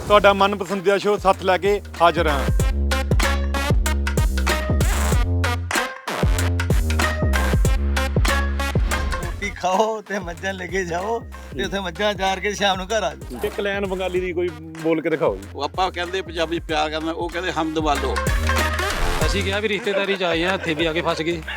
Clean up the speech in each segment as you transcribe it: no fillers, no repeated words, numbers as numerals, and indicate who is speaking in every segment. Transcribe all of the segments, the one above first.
Speaker 1: ਤੁਹਾਡਾ ਮਨਪਸੰਦੀਦਾ ਸ਼ੋਅ ਸੱਤ ਲੈ ਕੇ ਹਾਜ਼ਰ ਹਾਂ।
Speaker 2: ਰੋਟੀ ਖਾਓ ਤੇ ਮੱਝਾਂ ਲੈ ਕੇ ਜਾਓ ਤੇ ਉੱਥੇ ਮੱਝਾਂ ਚਾਰ ਕੇ ਸ਼ਾਮ ਨੂੰ ਘਰ ਆ ਜਾਓ।
Speaker 1: ਇੱਕ ਲਾਈਨ ਬੰਗਾਲੀ ਦੀ ਕੋਈ ਬੋਲ ਕੇ ਦਿਖਾਓ ਜੀ।
Speaker 3: ਉਹ ਆਪਾਂ ਕਹਿੰਦੇ ਪੰਜਾਬੀ ਪਿਆਰ ਕਰਨਾ, ਉਹ ਕਹਿੰਦੇ ਹਮਦ ਵਾਲੋ।
Speaker 4: ਅਸੀਂ ਕਿਹਾ ਵੀ ਰਿਸ਼ਤੇਦਾਰੀ ਚ ਆਏ ਆ, ਇੱਥੇ ਵੀ ਆ ਕੇ ਫਸ ਗਏ।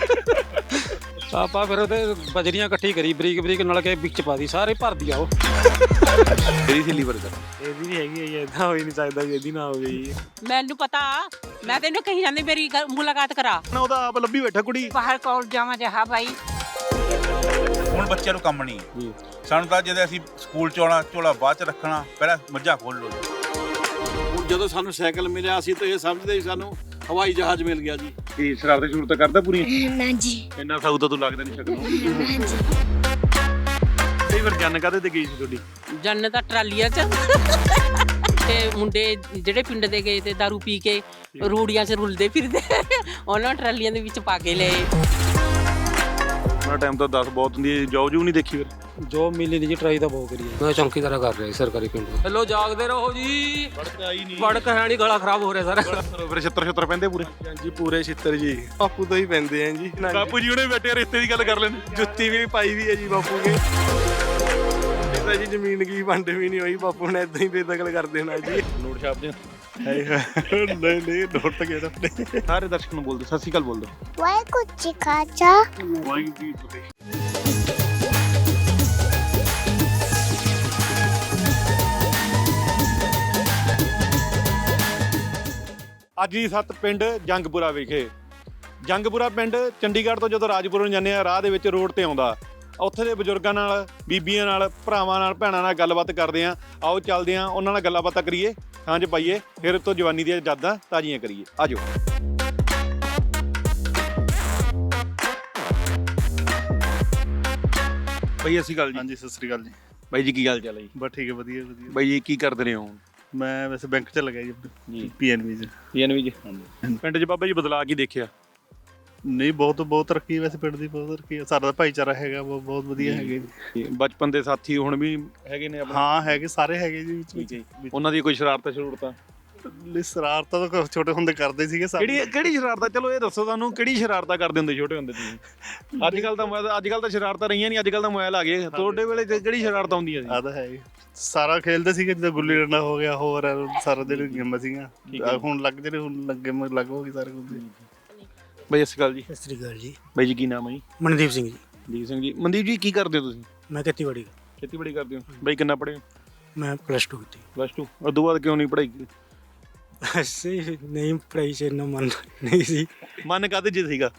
Speaker 4: ਆਪਾਂ ਫਿਰ ਉਹਦੇ ਬਜਰੀਆਂ ਇਕੱਠੀ ਕਰੀ ਬਰੀਕ ਬਰੀਕ ਨਾਲ ਕੇ ਵਿੱਚ ਪਾ ਦੀ, ਸਾਰੇ ਭਰ ਦੀ ਆਓ।
Speaker 1: ਤੇਰੀ ਸੀ ਲੀਵਰ ਦਾ
Speaker 4: ਇਹਦੀ ਵੀ ਹੈਗੀ ਹੈ ਜੀ, ਇਦਾਂ ਹੋ ਹੀ ਨਹੀਂ ਸਕਦਾ ਵੀ ਇਹਦੀ ਨਾ ਹੋਵੇ ਜੀ।
Speaker 5: ਮੈਨੂੰ ਪਤਾ, ਮੈਂ ਤੈਨੂੰ ਕਹੀ ਜਾਂਦੀ ਮੇਰੀ ਮੁਲਾਕਾਤ ਕਰਾ।
Speaker 1: ਉਹਦਾ ਆਪ ਲੱਭੀ ਬੈਠਾ ਕੁੜੀ।
Speaker 5: ਬਾਹਰ ਕੋਲ ਜਾਵਾਂ ਜਹਾ ਭਾਈ।
Speaker 6: ਹੁਣ ਬੱਚਿਆਂ ਨੂੰ ਕੰਮ ਨਹੀਂ ਜੀ। ਸਾਨੂੰ ਤਾਂ ਜਦੋਂ ਅਸੀਂ ਸਕੂਲ ਚ ਆਉਣਾ, ਝੋਲਾ ਬਾਅਦ ਚ ਰੱਖਣਾ, ਪਹਿਲਾਂ ਮੱਝਾਂ ਖੋਲ ਲਓ ਜੀ।
Speaker 3: ਜਦੋਂ ਸਾਨੂੰ ਸਾਈਕਲ ਮਿਲਿਆ ਅਸੀਂ ਤਾਂ ਇਹ ਸਮਝਦੇ ਸੀ ਸਾਨੂੰ ਹਵਾਈ ਜਹਾਜ਼ ਮਿਲ ਗਿਆ ਜੀ।
Speaker 1: ਕੀ ਸ਼ਰਾਬ ਦੀ ਜ਼ਰੂਰਤ ਕਰਦਾ ਪੂਰੀ?
Speaker 7: ਨਾ ਜੀ।
Speaker 1: ਇੰਨਾ ਸਾਊ ਤਾਂ ਤੂੰ ਲੱਗਦਾ ਨਹੀਂ ਸ਼ਕਲੋਂ।
Speaker 7: ਨਾ ਜੀ।
Speaker 1: ਕਈ ਵਾਰ ਜੰਨ ਕਾਹਦੇ ਤੇ ਗਈ ਸੀ ਤੁਹਾਡੀ?
Speaker 5: ਜੰਨ ਤਾਂ ਟਰਾਲੀਆਂ 'ਚ ਤੇ ਮੁੰਡੇ ਜਿਹੜੇ ਪਿੰਡ ਦੇ ਗਏ ਤੇ ਦਾਰੂ ਪੀ ਕੇ ਰੂੜੀਆਂ 'ਚ ਰੁਲਦੇ ਫਿਰਦੇ, ਉਹਨਾਂ ਟਰਾਲੀਆਂ ਦੇ ਵਿੱਚ ਪਾ ਕੇ ਲਏ।
Speaker 1: ਉਹਨਾਂ ਟਾਈਮ ਤਾਂ 10 ਬਹੁਤ ਹੁੰਦੀ ਹੈ। ਜੋਬ ਜੂ ਨਹੀਂ ਦੇਖੀ ਫਿਰ?
Speaker 4: ਜੋ ਮਿਲੀ ਨਹੀਂ ਜੀ, ਟਰਾਈ ਤਾਂ ਬਹੁਤ ਕਰੀ ਮੈਂ ਚੌਂਕੀਦਾਰਾ ਕਰ ਰਿਹਾ ਸਰਕਾਰੀ ਪਿੰਡ। ਹੈਲੋ, ਜਾਗਦੇ ਰਹੋ ਜੀ।
Speaker 1: ਵੜਕ ਆਈ ਨਹੀਂ।
Speaker 4: ਵੜਕ ਹੈ ਨਹੀਂ, ਗਲਾ ਖਰਾਬ ਹੋ ਰਿਹਾ ਸਾਰਾ।
Speaker 1: ਫਿਰ ਛਿੱਤਰ ਪੈਂਦੇ ਪੂਰੇ?
Speaker 4: ਜੀ ਪੂਰੇ ਛਿੱਤਰ ਜੀ, ਬਾਪੂ ਤੋਂ ਹੀ ਪੈਂਦੇ ਆ ਜੀ।
Speaker 1: ਬਾਪੂ ਜੀ ਉਹਨੇ ਬੈਠੇ ਰਿਸ਼ਤੇ ਦੀ ਗੱਲ ਕਰ ਲੈਂਦੇ।
Speaker 4: ਜੁੱਤੀ ਵੀ ਪਾਈ ਵੀ ਹੈ ਜੀ ਬਾਪੂ ਕੇ। ਇਹਦਾ ਜੀ ਜ਼ਮੀਨ ਕੀ ਵੰਡ ਵੀ ਨਹੀਂ ਹੋਈ, ਬਾਪੂ ਨੇ ਇਦਾਂ ਹੀ ਬੇਦਖਲ ਕਰ ਦੇਣਾ ਜੀ।
Speaker 1: ਨੋਟ ਛਾਪ ਦੇ।
Speaker 4: ਨਹੀਂ ਨੋਟ ਕਿਹੜਾ।
Speaker 1: ਸਾਰੇ ਦਰਸ਼ਕ ਨੂੰ ਬੋਲ ਦਿਓ, ਸਤਿ ਸ਼੍ਰੀ ਅਕਾਲ ਬੋਲ ਦਿਓ।
Speaker 7: ਵਾਹਿਗੁਰੂ ਜੀ ਕਾ ਖਾਲਸਾ।
Speaker 1: ਵਾਹਿਗੁਰੂ ਜੀ ਕੀ ਫਤਿਹ। ਅੱਜ ਹੀ ਸੱਤ ਪਿੰਡ ਜੰਗਪੁਰਾ ਵਿਖੇ। ਜੰਗਪੁਰਾ ਪਿੰਡ ਚੰਡੀਗੜ੍ਹ ਤੋਂ ਜਦੋਂ ਰਾਜਪੁਰ ਨੂੰ ਜਾਂਦੇ ਆ, ਰਾਹ ਦੇ ਵਿੱਚ ਰੋਡ ਤੇ ਆਉਂਦਾ। ਉੱਥੇ ਦੇ ਬਜ਼ੁਰਗਾਂ ਨਾਲ, ਬੀਬੀਆਂ ਨਾਲ, ਭਰਾਵਾਂ ਨਾਲ, ਭੈਣਾਂ ਨਾਲ ਗੱਲਬਾਤ ਕਰਦੇ ਆ। ਆਓ ਚੱਲਦੇ ਆ, ਉਹਨਾਂ ਨਾਲ ਗੱਲਾਂ ਬਾਤਾਂ ਕਰੀਏ, ਸਾਂਝ ਪਾਈਏ, ਫਿਰ ਤੋਂ ਜਵਾਨੀ ਦੀਆਂ ਯਾਦਾਂ ਤਾਜ਼ੀਆਂ ਕਰੀਏ। ਆਜੋ। ਬਾਈ ਅਸੀਂ ਗੱਲ ਜੀ।
Speaker 8: ਹਾਂਜੀ, ਸਤਿ ਸ੍ਰੀ ਅਕਾਲ ਜੀ।
Speaker 1: ਬਾਈ ਜੀ ਕੀ ਗੱਲ ਚੱਲ ਜੀ?
Speaker 8: ਬਸ ਠੀਕ ਹੈ, ਵਧੀਆ ਵਧੀਆ।
Speaker 1: ਬਾਈ ਜੀ ਕੀ ਕਰਦੇ ਰਹੇ ਹੋ?
Speaker 8: ਮੈਂ ਵੈਸੇ ਬੈਂਕ 'ਚ ਲੱਗਿਆ ਜੀ,
Speaker 1: ਜੀ।
Speaker 8: PNB 'ਚ।
Speaker 1: PNB ਜੀ। ਪਿੰਡ 'ਚ ਬਾਬਾ ਜੀ ਬਦਲਾਅ ਕੀ ਦੇਖਿਆ?
Speaker 8: ਨਹੀਂ, ਬਹੁਤ ਤਰੱਕੀ, ਵੈਸੇ ਪਿੰਡ ਦੀ ਬਹੁਤ ਤਰੱਕੀ ਹੈ। ਸਾਡਾ ਭਾਈਚਾਰਾ ਹੈਗਾ, ਬਹੁਤ ਵਧੀਆ ਹੈਗੇ ਜੀ।
Speaker 1: ਬਚਪਨ ਦੇ ਸਾਥੀ ਹੁਣ ਵੀ ਹੈਗੇ ਨੇ ਆਪਣੇ?
Speaker 8: ਹਾਂ ਹੈਗੇ, ਸਾਰੇ ਹੈਗੇ ਜੀ ਵਿੱਚ।
Speaker 1: ਉਹਨਾਂ ਦੀ ਕੋਈ ਸ਼ਰਾਰਤਾਂ ਸ਼ਰੂਰਤਾਂ?
Speaker 8: ਸ਼ਰਾਰਤਾਂ ਤਾਂ ਛੋਟੇ ਹੁੰਦੇ ਕਰਦੇ ਸੀਗੇ ਸਾਰੇ।
Speaker 1: ਕਿਹੜੀ ਸ਼ਰਾਰਤਾਂ? ਚਲੋ ਇਹ ਦੱਸੋ ਤੁਹਾਨੂੰ, ਕਿਹੜੀ ਸ਼ਰਾਰਤਾਂ ਕਰਦੇ ਹੁੰਦੇ ਛੋਟੇ ਹੁੰਦੇ ਤੁਸੀਂ? ਅੱਜ ਕੱਲ ਤਾਂ ਸ਼ਰਾਰਤਾਂ ਰਹੀਆਂ ਨਹੀਂ, ਅੱਜ ਕੱਲ ਤਾਂ ਮੋਬਾਈਲ ਆ ਗਏ। ਤੁਹਾਡੇ ਵੇਲੇ ਕਿਹੜੀ ਸ਼ਰਾਰਤਾਂ ਹੁੰਦੀਆਂ ਸੀ?
Speaker 8: ਆ ਤਾਂ ਹੈ ਜੀ। ਸਾਰਾ ਖੇਲਦੇ ਸੀਗੇ, ਜਿੱਦਾਂ ਗੁੱਲੀ ਡੰਡਾ ਹੋ ਗਿਆ, ਹੋਰ ਸਾਰਾ ਦਿਨ ਗੇਮਾਂ ਸੀਗੀਆਂ। ਹੁਣ ਲੱਗ ਜਿਹੜੇ ਹੁਣ ਲੱਗੇ ਲੱਗ ਹੋ ਗਈ ਸਾਰੇ ਕੁਝ।
Speaker 1: ਬਾਈ ਸਤਿ ਸ਼੍ਰੀ ਅਕਾਲ ਜੀ।
Speaker 4: ਸਤਿ ਸ੍ਰੀ ਅਕਾਲ ਜੀ।
Speaker 1: ਬਾਈ ਜੀ ਕੀ ਨਾਮ ਹੈ ਜੀ?
Speaker 4: ਮਨਦੀਪ ਸਿੰਘ ਜੀ।
Speaker 1: ਮਨਦੀਪ ਸਿੰਘ ਜੀ। ਮਨਦੀਪ ਜੀ ਕੀ ਕਰਦੇ ਹੋ ਤੁਸੀਂ?
Speaker 4: ਮੈਂ ਖੇਤੀਬਾੜੀ।
Speaker 1: ਖੇਤੀਬਾੜੀ ਕਰਦੇ ਹੋ। ਬਾਈ ਕਿੰਨਾ ਪੜ੍ਹੇ ਹੋ?
Speaker 4: ਮੈਂ +2 ਕੀਤੀ।
Speaker 1: +2। ਉਸ ਤੋਂ ਬਾਅਦ ਕਿਉਂ ਨਹੀਂ ਪੜ੍ਹਾਈ?
Speaker 4: ਅਸੀਂ ਨਹੀਂ ਪੜ੍ਹਾਈ 'ਚ ਇੰਨਾ ਮਨ ਨਹੀਂ ਸੀ।
Speaker 1: ਮਨ ਕਾਹਦੇ 'ਚ ਸੀਗਾ?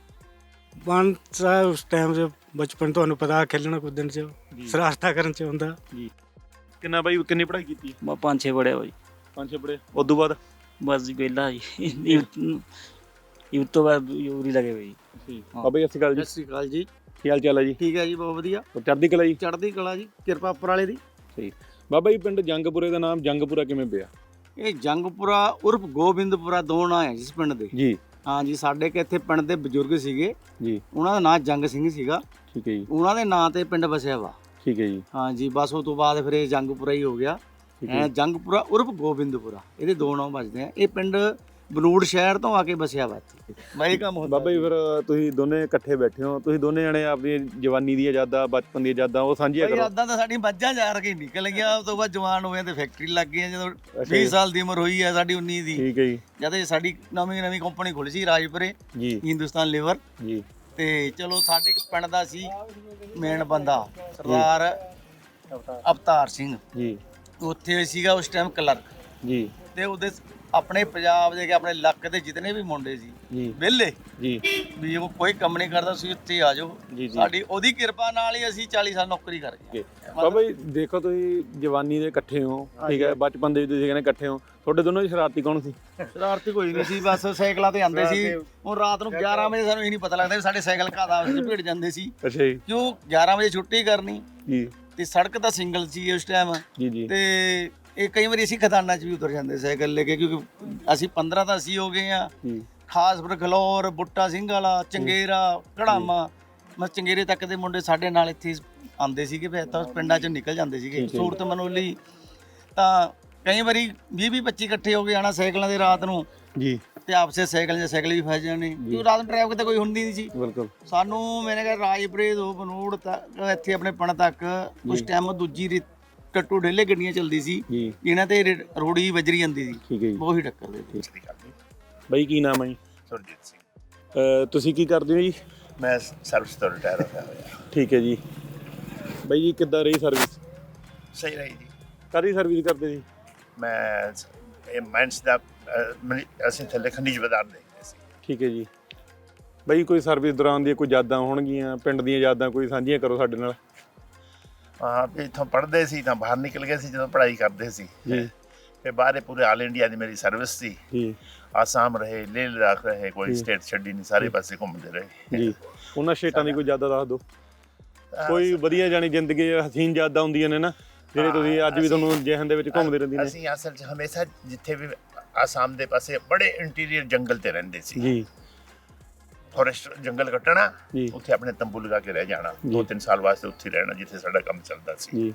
Speaker 4: ਮਨ ਤਾਂ ਉਸ ਟਾਈਮ 'ਚ ਬਚਪਨ, ਤੁਹਾਨੂੰ ਪਤਾ, ਖੇਲਣਾ ਕੁੱਦਣ 'ਚ, ਸ਼ਰਾਰਤਾਂ ਕਰਨ 'ਚ ਹੁੰਦਾ
Speaker 1: ਜੀ। ਕਿੰਨਾ ਬਾਈ, ਕਿੰਨੀ ਪੜ੍ਹਾਈ ਕੀਤੀ?
Speaker 9: ਮੈਂ 5-6 ਪੜ੍ਹਿਆ ਬਾਈ।
Speaker 1: 5-6 ਪੜ੍ਹੇ। ਉਸ ਤੋਂ ਬਾਅਦ
Speaker 9: ਬਸ ਜੀ ਵਿਹਲਾ ਜੀ। ਯੂਥ ਤੋਂ ਬਾਅਦ ਯੂਰੀ ਲੱਗੇ ਬਈ।
Speaker 1: ਬਾਬਾ ਜੀ ਸਤਿ ਸ਼੍ਰੀ ਅਕਾਲ ਜੀ।
Speaker 2: ਸਤਿ ਸ੍ਰੀ ਅਕਾਲ ਜੀ।
Speaker 1: ਕੀ ਹਾਲ ਚਾਲ ਹੈ ਜੀ?
Speaker 2: ਠੀਕ ਹੈ ਜੀ, ਬਹੁਤ ਵਧੀਆ।
Speaker 1: ਚੜ੍ਹਦੀ ਕਲਾ ਜੀ।
Speaker 2: ਚੜ੍ਹਦੀ ਕਲਾ ਜੀ, ਕਿਰਪਾ ਉੱਪਰ ਵਾਲੇ ਦੀ।
Speaker 1: ਸਹੀ। ਬਾਬਾ ਜੀ ਪਿੰਡ ਜੰਗਪੁਰੇ ਦਾ ਨਾਮ ਜੰਗਪੁਰਾ ਕਿਵੇਂ ਪਿਆ?
Speaker 2: ਇਹ ਜੰਗਪੁਰਾ ਉਰਫ ਗੋਬਿੰਦਪੁਰਾ ਦੋ ਨਾਂ ਹੈ ਜਿਸ ਪਿੰਡ ਦੇ।
Speaker 1: ਜੀ।
Speaker 2: ਹਾਂ ਜੀ, ਸਾਡੇ ਕਿ ਇੱਥੇ ਪਿੰਡ ਦੇ ਬਜ਼ੁਰਗ ਸੀਗੇ
Speaker 1: ਜੀ।
Speaker 2: ਉਹਨਾਂ ਦਾ ਨਾਂ ਜੰਗ ਸਿੰਘ ਸੀਗਾ।
Speaker 1: ਠੀਕ ਹੈ ਜੀ।
Speaker 2: ਉਹਨਾਂ ਦੇ ਨਾਂ ਤੇ ਪਿੰਡ ਵਸਿਆ ਵਾ।
Speaker 1: ਠੀਕ ਹੈ ਜੀ।
Speaker 2: ਹਾਂ ਜੀ, ਬਸ ਉਹ ਤੋਂ ਬਾਅਦ ਫਿਰ ਇਹ ਜੰਗਪੁਰਾ ਹੀ ਹੋ ਗਿਆ। ਜੰਗਪੁਰਾ ਉਰਫ ਗੋਬਿੰਦਪੁਰਾ, ਇਹਦੇ ਦੋ ਨਾਂ ਵੱਜਦੇ ਆ। ਇਹ ਪਿੰਡ ਬਨੂੜ ਸ਼ਹਿਰ ਤੋਂ ਆ ਕੇ ਵਸਿਆ ਵਾ ਇੱਥੇ। ਬਾਈ ਕੰਮ ਹੁੰਦਾ।
Speaker 1: ਬਾਬਾ ਜੀ ਫਿਰ ਤੁਸੀਂ ਦੋਨੇ ਇਕੱਠੇ ਬੈਠੇ ਹੋ, ਤੁਸੀਂ ਦੋਨੇ ਜਣੇ ਆਪਣੀ ਜਵਾਨੀ ਦੀਆਂ ਯਾਦਾਂ, ਬਚਪਨ ਦੀਆਂ ਯਾਦਾਂ ਉਹ ਸਾਂਝੀਆਂ ਕਰੋ।
Speaker 2: ਯਾਦਾਂ ਤਾਂ ਸਾਡੀ ਮੱਝਾਂ ਚਾਰ ਕੇ ਨਿਕਲ ਗਿਆ। ਉਸ ਤੋਂ ਬਾਅਦ ਜਵਾਨ ਹੋਏ ਤੇ ਫੈਕਟਰੀ ਲੱਗ ਗਈ। ਜਦੋਂ 20 ਸਾਲ ਦੀ ਉਮਰ ਹੋਈ ਹੈ ਸਾਡੀ, 19 ਦੀ।
Speaker 1: ਠੀਕ ਹੈ ਜੀ।
Speaker 2: ਜਦ ਸਾਡੀ ਨਵੀਂ ਕੰਪਨੀ ਖੁੱਲੀ ਸੀ ਰਾਜਪੁਰੇ,
Speaker 1: ਜੀ।
Speaker 2: ਹਿੰਦੁਸਤਾਨ ਲੀਵਰ
Speaker 1: ਜੀ।
Speaker 2: ਤੇ ਚਲੋ ਸਾਡੇ ਇੱਕ ਪਿੰਡ ਦਾ ਸੀ ਮੇਨ ਬੰਦਾ, ਸਰਦਾਰ ਅਵਤਾਰ ਸਿੰਘ
Speaker 1: ਜੀ।
Speaker 2: ਉੱਥੇ ਸੀਗਾ ਉਸ ਟਾਈਮ ਕਲਰਕ
Speaker 1: ਜੀ।
Speaker 2: ਤੇ ਉਹਦੇ ਆਪਣੇ ਪੰਜਾਬ ਦੇ ਆਪਣੇ ਇਲਾਕੇ ਦੇ ਜਿਤਨੇ ਵੀ ਮੁੰਡੇ ਸੀ
Speaker 1: ਜੀ।
Speaker 2: ਵਿਹਲੇ
Speaker 1: ਜੀ।
Speaker 2: ਵੀ ਉਹ ਕੋਈ ਕੰਮ ਨਹੀਂ ਕਰਦਾ ਸੀ, ਉੱਥੇ ਆ ਜਾਓ। ਸਾਡੀ ਉਹਦੀ ਕਿਰਪਾ ਨਾਲ ਹੀ ਅਸੀਂ 40 ਸਾਲ ਨੌਕਰੀ ਕਰ ਗਏ।
Speaker 1: ਬਾਬਾ ਜੀ ਦੇਖੋ, ਤੁਸੀਂ ਜਵਾਨੀ ਦੇ ਇਕੱਠੇ ਹੋ, ਠੀਕ ਹੈ, ਬਚਪਨ ਦੇ ਵੀ ਤੁਸੀਂ ਕਹਿੰਦੇ ਇਕੱਠੇ ਹੋ। ਤੁਹਾਡੇ ਦੋਨੋਂ ਦੀ ਸ਼ਰਾਰਤੀ ਕੌਣ ਸੀ?
Speaker 2: ਸ਼ਰਾਰਤੀ ਕੋਈ ਨਹੀਂ ਸੀ, ਬਸ ਸਾਈਕਲਾਂ ਤੇ ਆਉਂਦੇ ਸੀ। ਹੁਣ ਰਾਤ ਨੂੰ 11 ਵਜੇ ਸਾਨੂੰ ਇਹ ਨਹੀਂ ਪਤਾ ਲੱਗਦਾ ਵੀ ਸਾਡੇ ਸਾਈਕਲ ਘਾਹ ਆਪਸ ਵਿੱਚ ਭਿੜ ਜਾਂਦੇ ਸੀ।
Speaker 1: ਅੱਛਾ ਜੀ।
Speaker 2: ਕਿਉਂ 11 ਵਜੇ ਛੁੱਟੀ ਕਰਨੀ
Speaker 1: ਜੀ।
Speaker 2: ਤੇ ਸੜਕ ਤਾਂ ਸਿੰਗਲ ਸੀ ਉਸ ਟਾਈਮ।
Speaker 1: ਜੀ। ਜੀ।
Speaker 2: ਤੇ ਇਹ ਕਈ ਵਾਰੀ ਅਸੀਂ ਖਦਾਨਾਂ 'ਚ ਵੀ ਉਤਰ ਜਾਂਦੇ ਸਾਈਕਲ ਲੈ ਕੇ, ਕਿਉਂਕਿ ਅਸੀਂ 15 ਤਾਂ ਅਸੀਂ ਹੋ ਗਏ ਆ। ਖਾਸਪੁਰ, ਖਲੌਰ, ਬੁੱਟਾ ਸਿੰਘ ਵਾਲਾ, ਚੰਗੇਰਾ, ਘੜਾਮਾ, ਮੈਂ ਚੰਗੇਰੇ ਤੱਕ ਦੇ ਮੁੰਡੇ ਸਾਡੇ ਨਾਲ ਇੱਥੇ ਆਉਂਦੇ ਸੀਗੇ। ਫਿਰ ਤਾਂ ਪਿੰਡਾਂ 'ਚ ਨਿਕਲ ਜਾਂਦੇ ਸੀਗੇ। ਸੂਰਤ ਮਨੋਲੀ ਤਾਂ ਕਈ ਵਾਰੀ 20-25 ਇਕੱਠੇ ਹੋ ਕੇ ਆਣਾ ਸਾਈਕਲਾਂ ਦੇ ਰਾਤ ਨੂੰ
Speaker 1: ਜੀ
Speaker 2: ਤੇ ਆਪਸੇ ਸਾਈਕਲ ਵੀ ਫਸ ਜਾਣੇ ਕਿਉਂ ਰਾਤ ਨੂੰ ਟ੍ਰੈਫਿਕ ਤੇ ਕੋਈ ਹੁੰਦੀ ਨਹੀਂ ਸੀ।
Speaker 1: ਬਿਲਕੁਲ
Speaker 2: ਸਾਨੂੰ ਮੈਨੇ ਕਿਹਾ ਰਾਜਪੁਰੇ ਤੋਂ ਬਨੂੜ ਤੱਕ ਇੱਥੇ ਆਪਣੇ ਪਿੰਡ ਤੱਕ ਉਸ ਟਾਈਮ ਦੂਜੀ ਟੱਟੂ ਢੇਲੇ ਗੱਡੀਆਂ ਚੱਲਦੀ ਸੀ
Speaker 1: ਜੀ
Speaker 2: ਇਹਨਾਂ ਤੇ ਰੋੜੀ ਵੱਜਰੀ ਜਾਂਦੀ ਸੀ,
Speaker 1: ਠੀਕ ਹੈ ਜੀ।
Speaker 2: ਉਹੀ ਟੱਕਰ ਦੇ
Speaker 1: ਬਾਈ ਕੀ ਨਾਮ ਹੈ ਜੀ?
Speaker 10: ਸੁਰਜੀਤ ਸਿੰਘ।
Speaker 1: ਤੁਸੀਂ ਕੀ ਕਰਦੇ ਹੋ ਜੀ?
Speaker 10: ਮੈਂ ਸਰਵਿਸ ਤੋਂ ਰਿਟਾਇਰ ਹੋਇਆ।
Speaker 1: ਠੀਕ ਹੈ ਜੀ। ਬਾਈ ਜੀ ਕਿੱਦਾਂ ਰਹੀ ਸਰਵਿਸ?
Speaker 10: ਸਹੀ ਰਹੀ ਜੀ।
Speaker 1: ਕਾਹਦੀ ਸਰਵਿਸ ਕਰਦੇ ਜੀ?
Speaker 10: ਮੈਂ ਇਹ ਮਾਈਨਸ ਦਾ ਅਸੀਂ ਥੱਲੇ ਖਣਿਜ ਪਦਾਰਥ ਦੇਖਦੇ ਸੀ।
Speaker 1: ਠੀਕ ਹੈ ਜੀ। ਬਾਈ ਕੋਈ ਸਰਵਿਸ ਦੌਰਾਨ ਦੀਆਂ ਕੋਈ ਯਾਦਾਂ ਹੋਣਗੀਆਂ ਪਿੰਡ ਦੀਆਂ ਯਾਦਾਂ ਕੋਈ ਸਾਂਝੀਆਂ ਕਰੋ ਸਾਡੇ ਨਾਲ।
Speaker 10: ਹਾਂ ਵੀ ਇੱਥੋਂ ਪੜ੍ਹਦੇ ਸੀ ਤਾਂ ਬਾਹਰ ਨਿਕਲ ਗਏ ਸੀ ਜਦੋਂ ਪੜ੍ਹਾਈ ਕਰਦੇ ਸੀ
Speaker 1: ਜੀ।
Speaker 10: ਫਿਰ ਬਾਹਰ ਪੂਰੇ ਆਲ ਇੰਡੀਆ ਦੀ ਮੇਰੀ ਸਰਵਿਸ ਸੀ
Speaker 1: ਜੀ
Speaker 10: ਆਸਾਮ ਰਹੇ ਲੇਹ ਲਦਾਖ ਰਹੇ ਕੋਈ ਸਟੇਟ ਛੱਡੀ ਨਹੀਂ ਸਾਰੇ ਪਾਸੇ ਘੁੰਮਦੇ ਰਹੇ
Speaker 1: ਜੀ। ਉਹਨਾਂ ਸਟੇਟਾਂ ਦੀ ਕੋਈ ਯਾਦਾਂ ਦੱਸ ਦਿਓ ਕੋਈ ਵਧੀਆ ਜਾਣੀ ਜ਼ਿੰਦਗੀ ਹਸੀਨ ਯਾਦਾਂ ਹੁੰਦੀਆਂ ਨੇ ਨਾ ਜਿਹੜੇ ਤੁਸੀਂ ਅੱਜ ਵੀ ਤੁਹਾਨੂੰ ਜਿਹਨ ਦੇ ਵਿੱਚ ਘੁੰਮਦੇ ਰਹਿੰਦੀਆਂ ਨੇ।
Speaker 10: ਅਸੀਂ ਅਸਲ 'ਚ ਹਮੇਸ਼ਾ ਜਿੱਥੇ ਵੀ ਆਸਾਮ ਦੇ ਪਾਸੇ ਬੜੇ ਇੰਟੀਰੀਅਰ ਜੰਗਲ ਤੇ ਰਹਿੰਦੇ ਸੀ
Speaker 1: ਜੀ।
Speaker 10: ਫੋਰੈਸਟ ਜੰਗਲ ਕੱਟਣਾ
Speaker 1: ਜੀ।
Speaker 10: ਉੱਥੇ ਆਪਣੇ ਤੰਬੂ ਲਗਾ ਕੇ ਰਹਿ ਜਾਣਾ 2-3 ਸਾਲ ਵਾਸਤੇ ਉੱਥੇ ਰਹਿਣਾ ਜਿੱਥੇ ਸਾਡਾ ਕੰਮ ਚੱਲਦਾ ਸੀ
Speaker 1: ਜੀ।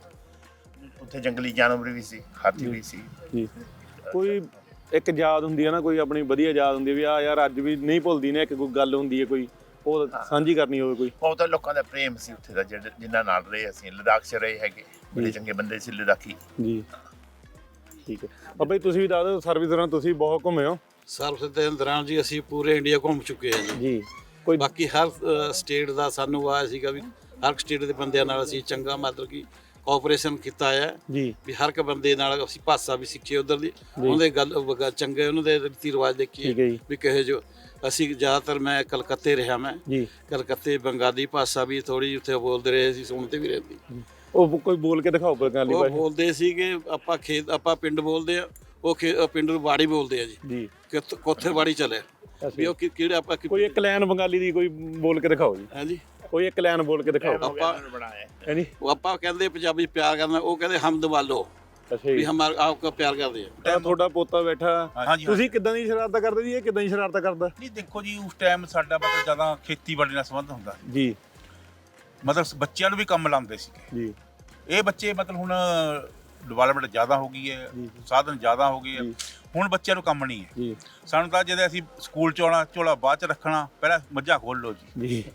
Speaker 10: ਉੱਥੇ ਜੰਗਲੀ ਜਾਨਵਰ ਵੀ ਸੀ ਹਾਥੀ ਵੀ ਸੀ
Speaker 1: ਜੀ। ਕੋਈ ਇੱਕ ਯਾਦ ਹੁੰਦੀ ਹੈ ਨਾ ਕੋਈ ਆਪਣੀ ਵਧੀਆ ਯਾਦ ਹੁੰਦੀ ਹੈ ਵੀ ਆ ਯਾਰ ਅੱਜ ਵੀ ਨਹੀਂ ਭੁੱਲਦੀ ਨੇ ਇੱਕ ਕੋਈ ਗੱਲ ਹੁੰਦੀ ਹੈ ਕੋਈ ਉਹ ਸਾਂਝੀ ਕਰਨੀ ਹੋਵੇ ਕੋਈ।
Speaker 10: ਬਹੁਤ ਲੋਕਾਂ ਦਾ ਪ੍ਰੇਮ ਸੀ ਉੱਥੇ ਦਾ ਜਿਨ੍ਹਾਂ ਨਾਲ ਰਹੇ ਅਸੀਂ ਲਦਾਖ 'ਚ ਰਹੇ ਹੈਗੇ ਬੜੇ ਚੰਗੇ ਬੰਦੇ ਸੀ ਲਦਾਖੀ
Speaker 1: ਜੀ। ਠੀਕ ਹੈ ਬਾਬਾ ਜੀ ਤੁਸੀਂ ਵੀ ਦੱਸ ਦਿਓ ਸਰਵਿਸ ਦੌਰਾਨ ਤੁਸੀਂ ਬਹੁਤ ਘੁੰਮੇ ਹੋ।
Speaker 3: ਸਰਵਿਸ ਦੇ ਦੌਰਾਨ ਜੀ ਅਸੀਂ ਪੂਰੇ ਇੰਡੀਆ ਘੁੰਮ ਚੁੱਕੇ ਹਾਂ ਜੀ।
Speaker 1: ਜੀ। ਕੋਈ
Speaker 3: ਬਾਕੀ ਹਰ ਸਟੇਟ ਦਾ ਸਾਨੂੰ ਆਇਆ ਸੀਗਾ ਵੀ ਹਰ ਸਟੇਟ ਦੇ ਬੰਦਿਆਂ ਨਾਲ ਅਸੀਂ ਚੰਗਾ ਮਤਲਬ ਕਿ ਕੋਆਪਰੇਸ਼ਨ ਕੀਤਾ ਹੈ
Speaker 1: ਜੀ।
Speaker 3: ਵੀ ਹਰ ਇੱਕ ਬੰਦੇ ਨਾਲ ਅਸੀਂ ਭਾਸ਼ਾ ਵੀ ਸਿੱਖੀ ਉਧਰ ਦੀ ਉਹਦੇ ਗੱਲ ਚੰਗੇ ਉਹਨਾਂ ਦੇ ਰੀਤੀ ਰਿਵਾਜ ਦੇਖੀਏ
Speaker 1: ਠੀਕ ਹੈ ਜੀ।
Speaker 3: ਵੀ ਕਹੇ ਜੋ ਅਸੀਂ ਜ਼ਿਆਦਾਤਰ ਮੈਂ ਕਲਕੱਤੇ ਰਿਹਾ ਮੈਂ
Speaker 1: ਜੀ।
Speaker 3: ਕਲਕੱਤੇ ਬੰਗਾਲੀ ਭਾਸ਼ਾ ਵੀ ਥੋੜੀ ਉੱਥੇ ਬੋਲਦੇ ਰਹੇ ਸੀ ਸੁਣਦੇ ਵੀ ਰਹਿੰਦੀ
Speaker 1: ਉਹ ਕੋਈ ਬੋਲ ਕੇ ਦਿਖਾਓ ਬੰਗਾਲੀ
Speaker 3: ਉਹ
Speaker 1: ਭਾਸ਼ਾ।
Speaker 3: ਬੋਲਦੇ ਸੀਗੇ ਆਪਾਂ ਪਿੰਡ ਬੋਲਦੇ ਆ ਉਹ ਪਿੰਡ ਨੂੰ ਬਾੜੀ ਬੋਲਦੇ ਆ ਜੀ
Speaker 1: ਜੀ।
Speaker 3: ਕੋਥੇ ਬਾੜੀ ਚੱਲੇ ਵੀ ਉਹ ਕਿਹੜੇ ਆਪਾਂ
Speaker 1: ਕੋਈ ਇੱਕ ਲਾਈਨ ਬੰਗਾਲੀ ਦੀ ਕੋਈ ਬੋਲ ਕੇ ਦਿਖਾਓ ਜੀ।
Speaker 3: ਹਾਂਜੀ
Speaker 1: ਕੋਈ ਇੱਕ ਲਾਈਨ ਬੋਲ ਕੇ ਦਿਖਾਓ।
Speaker 3: ਆਪਾਂ
Speaker 1: ਹਾਂਜੀ
Speaker 3: ਉਹ ਆਪਾਂ ਕਹਿੰਦੇ ਪੰਜਾਬੀ ਪਿਆਰ ਕਰਨਾ ਉਹ ਕਹਿੰਦੇ ਹਮਦ ਵਾਲੋ
Speaker 1: ਅੱਛਾ
Speaker 3: ਵੀ
Speaker 1: ਜੀ।
Speaker 3: ਹਮਾਰ ਆਪਕੋ ਪਿਆਰ ਕਰਦੇ ਆ।
Speaker 1: ਤਾਂ ਤੁਹਾਡਾ ਪੋਤਾ ਬੈਠਾ
Speaker 6: ਹਾਂਜੀ।
Speaker 1: ਤੁਸੀਂ ਕਿੱਦਾਂ ਦੀ ਸ਼ਰਾਰਤਾਂ ਕਰਦੇ ਜੀ ਇਹ ਕਿੱਦਾਂ ਦੀ ਸ਼ਰਾਰਤਾਂ ਕਰਦਾ?
Speaker 6: ਨਹੀਂ ਦੇਖੋ ਜੀ ਉਸ ਟਾਈਮ ਸਾਡਾ ਮਤਲਬ ਜ਼ਿਆਦਾ ਖੇਤੀਬਾੜੀ ਨਾਲ ਸੰਬੰਧ ਹੁੰਦਾ
Speaker 1: ਜੀ।
Speaker 6: ਮਤਲਬ ਬੱਚਿਆਂ ਨੂੰ ਵੀ ਕੰਮ ਲਾਉਂਦੇ ਸੀਗੇ
Speaker 1: ਜੀ।
Speaker 6: ਇਹ ਬੱਚੇ ਮਤਲਬ ਹੁਣ ਡਿਵੈਲਪਮੈਂਟ ਜ਼ਿਆਦਾ ਹੋ ਗਈ ਹੈ ਸਾਧਨ ਜ਼ਿਆਦਾ ਹੋ ਗਏ ਹੈ ਹੁਣ ਬੱਚਿਆਂ ਨੂੰ ਕੰਮ ਨਹੀਂ ਹੈ
Speaker 1: ਜੀ।
Speaker 6: ਸਾਨੂੰ ਤਾਂ ਜਦੋਂ ਅਸੀਂ ਸਕੂਲ ਚ ਆਉਣਾ ਝੋਲਾ ਬਾਅਦ ਚ ਰੱਖਣਾ ਪਹਿਲਾਂ ਮੱਝਾਂ ਖੋਲ ਲਓ ਜੀ
Speaker 1: ਜੀ।